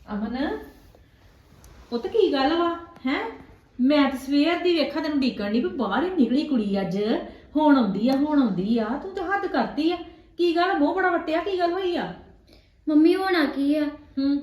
ਅਮਨ ਪੁੱਤ ਕੀ ਗੱਲ ਵਾ ਹੈ? ਮੈਂ ਤਾਂ ਸਵੇਰ ਦੀ ਵੇਖਾਂ ਤੈਨੂੰ ਡੀਕਣ ਦੀ ਵੀ ਬਾਹਰ ਹੀ ਨਿਕਲੀ ਕੁੜੀ ਅੱਜ। ਹੁਣ ਆਉਂਦੀ ਆ ਤੂੰ ਤਾਂ ਹੱਦ ਕਰਤੀ ਆ। ਕੀ ਗੱਲ ਮੂੰਹ ਬੜਾ ਵੱਟਿਆ, ਕੀ ਗੱਲ ਹੋਈ ਆ? ਮੰਮੀ ਹੋਣਾ ਕੀ ਆ?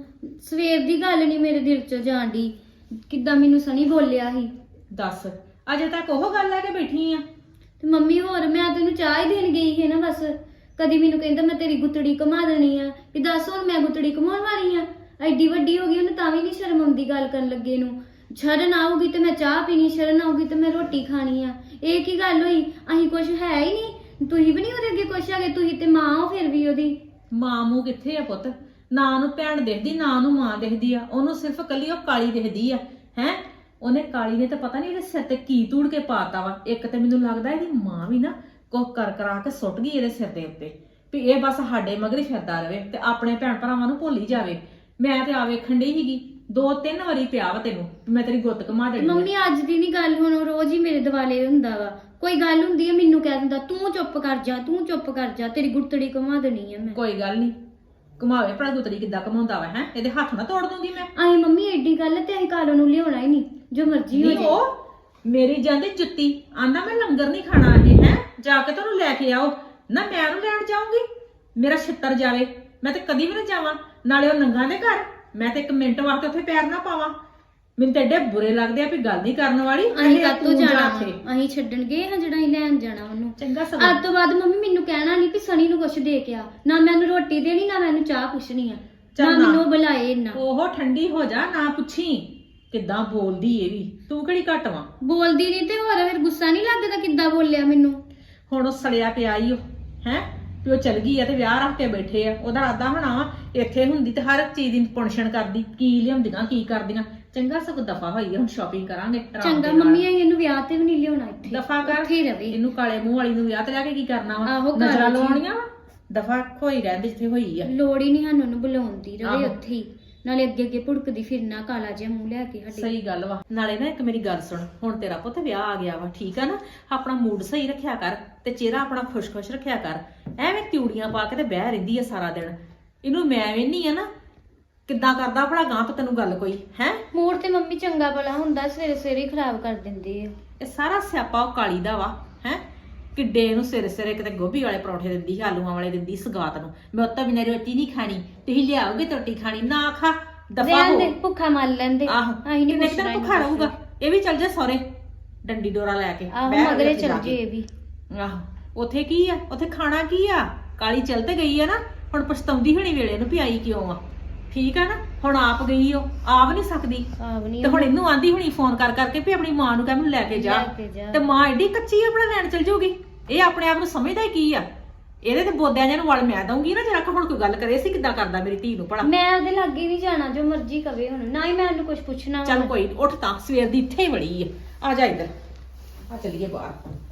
ਸਵੇਰ ਦੀ ਗੱਲ ਨਹੀਂ ਮੇਰੇ ਦਿਲ ਚੋਂ ਜਾਣਦੀ। ਕਿੱਦਾਂ ਮੈਨੂੰ ਸਣੀ ਬੋਲਿਆ ਸੀ। ਦੱਸ ਅਜੇ ਤੱਕ ਉਹ ਗੱਲ ਲੈ ਕੇ ਬੈਠੀ ਆ? ਤੇ ਮੰਮੀ ਹੋਰ ਮੈਂ ਤੈਨੂੰ ਚਾਹ ਹੀ ਦੇਣ ਗਈ ਸੀ ਨਾ ਬਸ। ਕਦੀ ਮੈਨੂੰ ਕਹਿੰਦਾ ਮੈਂ ਤੇਰੀ ਗੁੱਤੜੀ ਘੁਮਾ ਦੇਣੀ ਆ ਵੀ ਦੱਸ ਹੁਣ ਮੈਂ ਗੁੱਤੜੀ ਘੁਮਾਉਣ ਵਾਲੀ ਆ। ਐਡੀ ਵੱਡੀ ਹੋ ਗਈ ਉਹਨੂੰ ਤਾਂ ਵੀ ਨਹੀਂ ਸ਼ਰਮ ਆਉਂਦੀ ਗੱਲ ਕਰਨ ਲੱਗੇ ਨੂੰ। ਸ਼ਰਨ ਆਊਗੀ ਤੇ ਮੈਂ ਚਾਹ ਪੀਣੀ, ਸ਼ਰਨ ਆਊਗੀ ਤੇ ਮੈਂ ਰੋਟੀ ਖਾਣੀ ਆ। ਇਹ ਕੀ ਗੱਲ ਹੋਈ? ਅਸੀਂ ਕੁਝ ਹੈ ਹੀ ਨਹੀਂ, ਤੁਸੀਂ ਵੀ ਨਹੀਂ ਉਹਦੇ ਅੱਗੇ ਕੁਛ ਹੈਗੇ। ਤੁਸੀਂ ਤੇ ਮਾਂ ਹੋ ਫਿਰ ਵੀ ਉਹਦੀ। ਮਾਂ ਮੂੰਹ ਕਿੱਥੇ ਆ ਪੁੱਤ? ਨਾ ਉਹਨੂੰ ਭੈਣ ਦਿਖਦੀ ਨਾ ਉਹਨੂੰ ਮਾਂ ਦਿਖਦੀ ਆ। ਉਹਨੂੰ ਸਿਰਫ ਕੱਲੀ ਉਹ ਕਾਲੀ ਦਿਖਦੀ ਆ। ਹੈ ਉਹਨੇ ਕਾਲੀ ਨੇ ਤਾਂ ਪਤਾ ਨਹੀਂ ਇਹਦੇ ਸਿਰ ਤੇ ਕੀ ਧੂੜ ਕੇ ਪਾਤਾ ਵਾ। ਇੱਕ ਤੇ ਮੈਨੂੰ ਲੱਗਦਾ ਇਹਦੀ ਮਾਂ ਵੀ ਨਾ ਕੁਝ ਕਰ ਕਰਾ ਕੇ ਸੁੱਟ ਗਈ ਇਹਦੇ ਸਿਰ ਦੇ ਉੱਤੇ ਵੀ ਇਹ ਬਸ ਸਾਡੇ ਮਗਰ ਹੀ ਫਿਰਦਾ ਰਵੇ ਤੇ ਆਪਣੇ ਭੈਣ ਭਰਾਵਾਂ ਨੂੰ ਭੁੱਲ ਹੀ ਜਾਵੇ। ਮੈਂ ਤੇ ਆ ਵੇਖਣ ਡਈ ਸੀਗੀ 2-3 ਵਾਰੀ ਪਿਆ ਵਾ ਤੈਨੂੰ ਮੈਂ ਤੇਰੀ ਗੁੱਤ ਘੁਮਾ ਦੇਣੀ। ਮੰਮੀ ਅੱਜ ਦੀ ਨਹੀਂ ਗੱਲ, ਹੁਣ ਰੋਜ਼ ਹੀ ਮੇਰੇ ਦਿਵਾਲੇ ਹੁੰਦਾ ਵਾ। ਕੋਈ ਗੱਲ ਹੁੰਦੀ ਹੈ ਮੈਨੂੰ ਕਹਿ ਦਿੰਦਾ ਤੂੰ ਚੁੱਪ ਕਰ ਜਾ, ਤੂੰ ਚੁੱਪ ਕਰ ਜਾ, ਤੇਰੀ ਗੁੱਤੜੀ ਘੁਮਾ ਦੇਣੀ ਆ ਮੈਂ। ਕੋਈ ਗੱਲ ਨਹੀਂ ਘੁਮਾਵੇ ਭਰਾ ਗੁੱਤੜੀ ਕਿੱਦਾਂ ਘਮਾਉਂਦਾ ਵਾ। ਹੈ ਇਹਦੇ ਹੱਥ ਨਾ ਤੋੜ ਦੂੰਗੀ ਮੈਂ। ਆਈ ਮੰਮੀ ਐਡੀ ਗੱਲ ਤੇ ਅਸੀਂ ਕਾਲੋਂ ਨੂੰ ਲਿਆਉਣਾ ਹੀ ਨਹੀਂ, ਜੋ ਮਰਜ਼ੀ ਹੋ ਨਹੀਂ ਜਾਏ। ਉਹ ਮੇਰੀ ਜਾਂਦੀ ਜੁੱਤੀ ਆਂਦਾ ਮੈਂ ਲੰਗਰ ਨਹੀਂ ਖਾਣਾ ਇਹ। ਹੈ ਜਾ ਕੇ ਤੁਹਾਨੂੰ ਲੈ ਕੇ ਆਓ ਨਾ, ਮੈਂ ਉਹਨੂੰ ਲੈਣ ਜਾਊਂਗੀ? ਮੇਰਾ ਛਿੱਤਰ ਜਾਵੇ। ਮੈਂ ਤੇ ਕਦੀ ਵੀ ਨਾ ਜਾਵਾਂ, ਨਾਲੇ ਉਹ ਨੰਗਾ ਦੇ ਘਰ ਮੈਂ ਤੇ 1 ਮਿੰਟ ਵਾਸਤੇ ਉੱਥੇ ਪੈਰ ਨਾ ਪਾਵਾਂ। ਮੈਨੂੰ ਤਾਂ ਐਡੇ ਬੁਰੇ ਲੱਗਦੇ ਆ ਵੀ ਗੱਲ ਨਹੀਂ ਕਰਨ ਵਾਲੀ। ਅਸੀਂ ਕਾਤੋਂ ਜਾਣਾ? ਅਸੀਂ ਛੱਡਣ ਗਏ ਹਾਂ ਜਿਹੜਾ ਅਸੀਂ ਲੈਣ ਜਾਣਾ ਉਹਨੂੰ। ਚੰਗਾ ਅੱਜ ਤੋਂ ਬਾਅਦ ਮੰਮੀ ਮੈਨੂੰ ਕਹਿਣਾ ਨਹੀਂ ਵੀ ਸਣੀ ਨੂੰ ਕੁਛ ਦੇ ਕੇ ਆ। ਨਾ ਮੈਂ ਉਹਨੂੰ ਰੋਟੀ ਦੇਣੀ, ਨਾ ਮੈਂ ਉਹਨੂੰ ਚਾਹ ਪੁੱਛਣੀ ਆ, ਨਾ ਮੈਨੂੰ ਉਹ ਬੁਲਾਏ ਇੰਨਾ। ਉਹ ਠੰਡੀ ਹੋ ਜਾ, ਨਾ ਪੁੱਛੀ ਕਿੱਦਾਂ ਬੋਲਦੀ ਇਹ ਵੀ। ਤੂੰ ਕਿਹੜੀ ਘੱਟ ਵਾਂ? ਬੋਲਦੀ ਨਹੀਂ ਤੇ ਹੋਰ ਫਿਰ ਗੁੱਸਾ ਨਹੀਂ ਲੱਗਦਾ ਕਿੱਦਾਂ ਬੋਲਿਆ ਮੈਨੂੰ। ਹੁਣ ਉਹ ਸੜਿਆ ਪਿਆ ਈ ਉਹ। ਹੈ ਵੀ ਉਹ ਚਲ ਗਈ ਆ ਤੇ ਵਿਆਹ ਰੱਖ ਕੇ ਬੈਠੇ ਆ। ਉਹਦਾ ਇਰਾਦਾ ਹੋਣਾ ਵਾ ਇੱਥੇ ਹੁੰਦੀ ਤੇ ਹਰ ਇੱਕ ਚੀਜ਼ ਦੀ ਪੁਣਛਣ ਕਰਦੀ, ਕੀ ਲਿਆਉਂਦੀਆਂ ਕੀ ਕਰਦੀਆਂ। ਚੰਗਾ ਸਗੋਂ ਦਫਾ ਹੋਈ ਆ, ਹੁਣ ਸ਼ਾਪਿੰਗ ਕਰਾਂਗੇ ਆਰਾਮ ਚੰਗਾ ਦੇ ਨਾਲ। ਮੰਮੀ ਅਸੀਂ ਇਹਨੂੰ ਵਿਆਹ ਤੇ ਵੀ ਨਹੀਂ ਲਿਆਉਣਾ, ਇੱਥੇ ਦਫਾ ਕਰ। ਇੱਥੇ ਹੀ ਰਵੇ। ਇਹਨੂੰ ਕਾਲੇ ਮੂੰਹ ਵਾਲੀ ਨੂੰ ਵਿਆਹ ਤੇ ਲੈ ਕੇ ਕੀ ਕਰਨਾ ਵਾ? ਆਹੋ, ਨਜ਼ਰਾਂ ਘਰ 'ਚ ਹੀ। ਲਵਾਉਣੀਆਂ ਵਾ। ਦਫਾ ਹੋਈ ਰਹਿੰਦੇ ਜਿੱਥੇ ਹੋਈ ਆ। ਲੋੜ ਹੀ ਨਹੀਂ ਸਾਨੂੰ ਉਹਨੂੰ ਬੁਲਾਉਣ ਦੀ, ਰਵੇ ਆਹੋ। ਉੱਥੇ ਹੀ। ਨਾਲੇ ਅੱਗੇ ਅੱਗੇ ਭੁੜਕਦੀ ਫਿਰਨਾ, ਕਾਲਾ ਜਿਹਾ ਮੂੰਹ ਲੈ ਕੇ ਸਾਡੇ। ਸਹੀ ਗੱਲ ਵਾ। ਨਾਲੇ ਨਾ ਇੱਕ ਮੇਰੀ ਗੱਲ ਸੁਣ, ਹੁਣ ਤੇਰਾ ਪੁੱਤ ਵਿਆਹ ਆ ਗਿਆ ਵਾ, ਠੀਕ ਆ ਨਾ? ਆਪਣਾ ਮੂਡ ਸਹੀ ਰੱਖਿਆ ਕਰ ਤੇ ਚਿਹਰਾ ਆਪਣਾ ਖੁਸ਼-ਖੁਸ਼ ਰੱਖਿਆ ਕਰ। ਐਵੇਂ ਤਿਉੜੀਆਂ ਪਾ ਕੇ ਤੇ ਬਹਿ ਰਹਿੰਦੀ ਆ ਸਾਰਾ ਦਿਨ। ਇਹਨੂੰ ਮੈਂ ਵੇਹਨੀ ਆ ਨਾ ਕਿੱਦਾਂ ਕਰਦਾ ਭਲਾ ਗਾਂ ਤੋਂ ਤੈਨੂੰ ਗੱਲ ਕੋਈ। ਹੈ ਮੂਡ ਤੇ ਮੰਮੀ ਚੰਗਾ ਭਲਾ ਹੁੰਦਾ, ਸਵੇਰੇ ਸਵੇਰੇ ਹੀ ਖਰਾਬ ਕਰ ਦਿੰਦੀ ਹੈ। ਇਹ ਸਾਰਾ ਸਿਆਪਾ ਉਹ ਕਾਲੀ ਦਾ ਵਾ। ਹੈ ਕਿੱਡੇ ਇਹਨੂੰ ਸਿਰੇ ਕਿਤੇ ਗੋਭੀ ਵਾਲੇ ਪਰੌਂਠੇ ਦਿੰਦੀ, ਆਲੂਆਂ ਵਾਲੇ ਦਿੰਦੀ ਸਗਾਤ ਨੂੰ। ਮੈਂ ਉੱਤਾ ਬਿਨਾਂ ਰੋਟੀ ਨਹੀਂ ਖਾਣੀ, ਤੁਸੀਂ ਲਿਆਓਗੇ ਤੇ ਰੋਟੀ ਖਾਣੀ। ਨਾ ਖਾ, ਦਫਾ ਰਹਿਣ ਹੋ। ਦੇ, ਭੁੱਖਾ ਮਰ ਲੈਂਦੇ। ਆਹੋ ਅਸੀਂ ਨਹੀਂ ਕਿੰਨੇ ਦਿਨ ਭੁੱਖਾ ਰਹੂਗਾ? ਇਹ ਵੀ ਚੱਲ ਜਾ ਸਹੁਰੇ ਡੰਡੀ ਡੋਰਾ ਲੈ ਕੇ। ਆਹੋ ਬਹਿ ਮਗਰੇ ਉੱਥੇ ਜਾ ਚੱਲ ਕੇ। ਜੇ ਇਹ ਵੀ। ਆਹੋ ਉੱਥੇ ਕੀ ਆ? ਉੱਥੇ ਖਾਣਾ ਕੀ ਆ? ਕਾਲੀ ਚੱਲ ਤੇ ਗਈ ਆ ਨਾ, ਹੁਣ ਪਛਤਾਉਂਦੀ ਹੋਣੀ ਵੇਲੇ ਨੂੰ ਵੀ ਆਈ ਕਿਉਂ ਆ। ਠੀਕ ਆ ਨਾ? ਹੁਣ ਆਪ ਗਈ ਉਹ, ਆਪ ਨਹੀਂ ਸਕਦੀ ਤੇ ਹੁਣ ਇਹਨੂੰ ਆਂਦੀ ਹੁਣੀ ਫੋਨ ਕਰ ਕਰਕੇ ਵੀ ਆਪਣੀ ਮਾਂ ਨੂੰ ਕਹਿ ਮੈਨੂੰ ਲੈ ਕੇ ਜਾ। ਤੇ ਮਾਂ ਐਡੀ ਕੱਚੀ ਆਪਣਾ ਲੈਣ ਚਲ ਜਾਊਗੀ। ਇਹ ਆਪਣੇ ਆਪ ਨੂੰ ਸਮਝਦਾ ਹੀ ਕੀ ਆ? ਇਹਦੇ ਤੇ ਬੋਦਿਆਂ ਜਿਹਨੂੰ ਵਲ ਮੈਂ ਦਊਂਗੀ ਨਾ। ਜਰਾ ਹੁਣ ਕੋਈ ਗੱਲ ਕਰੇ ਸੀ ਕਿੱਦਾਂ ਕਰਦਾ ਮੇਰੀ ਧੀ ਨੂੰ ਭਲਾ। ਮੈਂ ਉਹਦੇ ਲਾਗੇ ਨਹੀਂ ਜਾਣਾ, ਜੋ ਮਰਜ਼ੀ ਕਵੇ ਹੁਣ। ਨਾ ਹੀ ਮੈਂ ਉਹਨੂੰ ਕੁਝ ਪੁੱਛਣਾ। ਚੱਲ ਕੋਈ ਨੀ, ਉੱਠ ਤਾਂ ਸਵੇਰ ਦੀ ਇੱਥੇ ਹੀ ਵੜੀ ਆ ਜਾ ਇੱਧਰ ਆ, ਚੱਲੀਏ ਬਾਹਰ।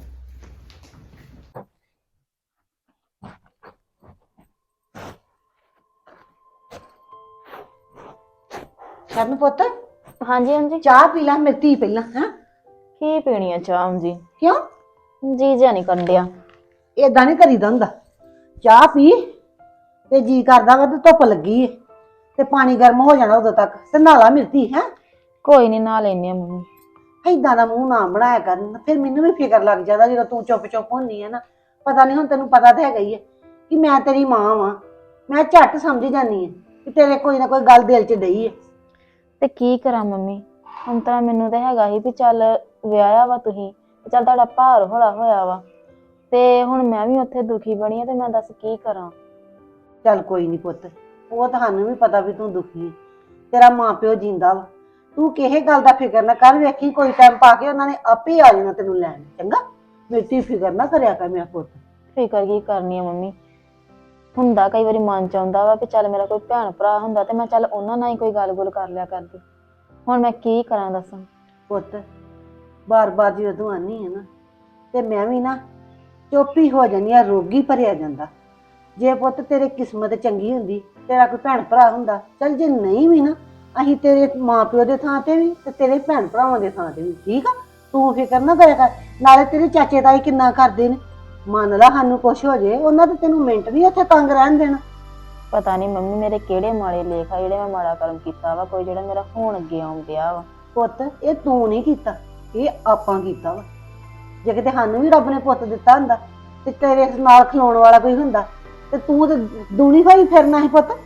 ਕਰਨ ਪੁੱਤ ਹਾਂਜੀ ਹਾਂਜੀ। ਚਾਹ ਪੀ ਲੈ ਮੇਰੀ ਧੀ ਪਹਿਲਾਂ। ਹੈ ਕੀ ਪੀਣੀ ਆ ਚਾਹ ਜੀ? ਕਿਉਂ ਜੀ ਜਾਂ ਨਹੀਂ ਕੰਡਿਆ। ਏਦਾਂ ਨਹੀਂ ਕਰੀਦਾ ਹੁੰਦਾ। ਚਾਹ ਪੀ ਤੇ ਜੀ ਕਰਦਾ ਵਾ ਤੇ ਧੁੱਪ ਲੱਗੀ ਏ ਤੇ ਪਾਣੀ ਗਰਮ ਹੋ ਜਾਣਾ ਉਦੋਂ ਤੱਕ ਤੇ ਨਾਲਾ ਮਿਰਤੀ। ਹੈ ਕੋਈ ਨਹੀਂ ਨਾ ਲੈਨੇ ਆ ਮੰਮੀ। ਏਦਾਂ ਦਾ ਮੂੰਹ ਨਾ ਬਣਾਇਆ ਕਰਨ, ਫਿਰ ਮੈਨੂੰ ਵੀ ਫਿਕਰ ਲੱਗ ਜਾਂਦਾ ਜਦੋਂ ਤੂੰ ਚੁੱਪ ਚੁੱਪ ਹੁੰਨੀ ਹੈ ਨਾ। ਪਤਾ ਨਹੀਂ ਹੁਣ ਤੈਨੂੰ ਪਤਾ ਤਾਂ ਹੈਗਾ ਹੀ ਹੈ ਕਿ ਮੈਂ ਤੇਰੀ ਮਾਂ ਵਾਂ। ਮੈਂ ਝੱਟ ਸਮਝ ਜਾਂਦੀ ਹਾਂ ਕਿ ਤੇਰੇ ਕੋਈ ਨਾ ਕੋਈ ਗੱਲ ਦਿਲ 'ਚ ਡਈ ਹੈ। ਤੇ ਕੀ ਕਰਾਂ ਮੰਮੀ? ਹੁਣ ਤਾਂ ਮੈਨੂੰ ਤਾਂ ਹੈਗਾ ਹੀ ਵੀ ਚੱਲ ਵਿਆਹਿਆ ਵਾ ਤੁਸੀਂ, ਚੱਲ ਤੁਹਾਡਾ ਭਾਰ ਹੌਲਾ ਹੋਇਆ ਵਾ ਤੇ ਹੁਣ ਮੈਂ ਵੀ ਉੱਥੇ ਦੁਖੀ ਬਣੀ ਆ ਤੇ ਮੈਂ ਦੱਸ ਕੀ ਕਰਾਂ? ਚੱਲ ਕੋਈ ਨਹੀਂ ਪੁੱਤ, ਉਹ ਤੁਹਾਨੂੰ ਵੀ ਪਤਾ ਵੀ ਤੂੰ ਦੁਖੀ ਹੈ। ਤੇਰਾ ਮਾਂ ਪਿਓ ਜਿੰਦਾ ਵਾ। ਤੂੰ ਕਿਸੇ ਗੱਲ ਦਾ ਫਿਕਰ ਨਾ ਕਰ। ਵੇਖੀ ਕੋਈ ਟਾਈਮ ਪਾ ਕੇ ਉਹਨਾਂ ਨੇ ਆਪੇ ਆ ਜਾਣਾ ਤੈਨੂੰ ਲੈਣ। ਚੰਗਾ ਮੇਰੀ ਫਿਕਰ ਨਾ ਕਰਿਆ ਕਰ ਮੇਰਾ ਪੁੱਤ। ਫਿਕਰ ਕੀ ਕਰਨੀ ਆ ਮੰਮੀ? ਹੁੰਦਾ ਕਈ ਵਾਰੀ ਮਨ ਚ ਆਉਂਦਾ ਵਾ ਵੀ ਚੱਲ ਮੇਰਾ ਕੋਈ ਭੈਣ ਭਰਾ ਹੁੰਦਾ ਤੇ ਮੈਂ ਚੱਲ ਉਹਨਾਂ ਨਾਲ ਹੀ ਕੋਈ ਗੱਲ-ਗੁਲ ਕਰ ਲਿਆ ਕਰਦੀ। ਹੁਣ ਮੈਂ ਕੀ ਕਰਾਂ ਦੱਸਾਂ? ਪੁੱਤ ਬਾਰ-ਬਾਰ ਜਦੋਂ ਤੂੰ ਆਨੀ ਹੈ ਨਾ ਤੇ ਮੈਂ ਵੀ ਨਾ ਚੁੱਪ ਹੋ ਜਾਂਦੀ ਆ। ਰੋਗੀ ਭਰਿਆ ਜਾਂਦਾ। ਜੇ ਪੁੱਤ ਤੇਰੇ ਕਿਸਮਤ ਚੰਗੀ ਹੁੰਦੀ, ਤੇਰਾ ਕੋਈ ਭੈਣ ਭਰਾ ਹੁੰਦਾ, ਚੱਲ ਜੇ ਨਹੀਂ ਵੀ ਨਾ ਅਸੀਂ ਤੇਰੇ ਮਾਂ ਪਿਓ ਦੇ ਥਾਂ ਤੇ ਵੀ ਤੇ ਤੇਰੇ ਭੈਣ ਭਰਾਵਾਂ ਦੇ ਥਾਂ ਤੇ ਵੀ। ਠੀਕ ਆ? ਤੂੰ ਫਿਕਰ ਨਾ ਕਰਿਆ ਕਰ। ਨਾਲੇ ਤੇਰੇ ਚਾਚੇ ਤਾਈ ਕਿੰਨਾ ਕਰਦੇ ਨੇ। ਮੰਨ ਲਾ ਸਾਨੂੰ ਕੁਛ ਹੋ ਜੇ, ਉਹਨਾਂ ਤੇ ਤੈਨੂੰ ਮਿੰਟ ਨਹੀਂ ਉੱਥੇ ਤੰਗ ਰਹਿਣ ਦੇਣਾ। ਪਤਾ ਨਹੀਂ ਮੰਮੀ ਮੇਰੇ ਕਿਹੜੇ ਮਾੜੇ ਲੇਖ ਆ ਜਿਹੜੇ ਮੈਂ ਮਾੜਾ ਕਰਮ ਕੀਤਾ ਵਾ, ਕੋਈ ਜਿਹੜਾ ਮੇਰਾ ਹੁਣ ਅੱਗੇ ਆਉਣ ਡਿਆ ਵਾ। ਪੁੱਤ ਇਹ ਤੂੰ ਨਹੀਂ ਕੀਤਾ, ਇਹ ਆਪਾਂ ਕੀਤਾ ਵਾ। ਜੇ ਕਿਤੇ ਸਾਨੂੰ ਵੀ ਰੱਬ ਨੇ ਪੁੱਤ ਦਿੱਤਾ ਹੁੰਦਾ ਤੇ ਤੇਰੇ ਨਾਲ ਖਲੋਣ ਵਾਲਾ ਕੋਈ ਹੁੰਦਾ ਤੇ ਤੂੰ ਤੇ ਦੂਣੀ ਹੋਈ ਫਿਰਨਾ ਸੀ ਪੁੱਤ।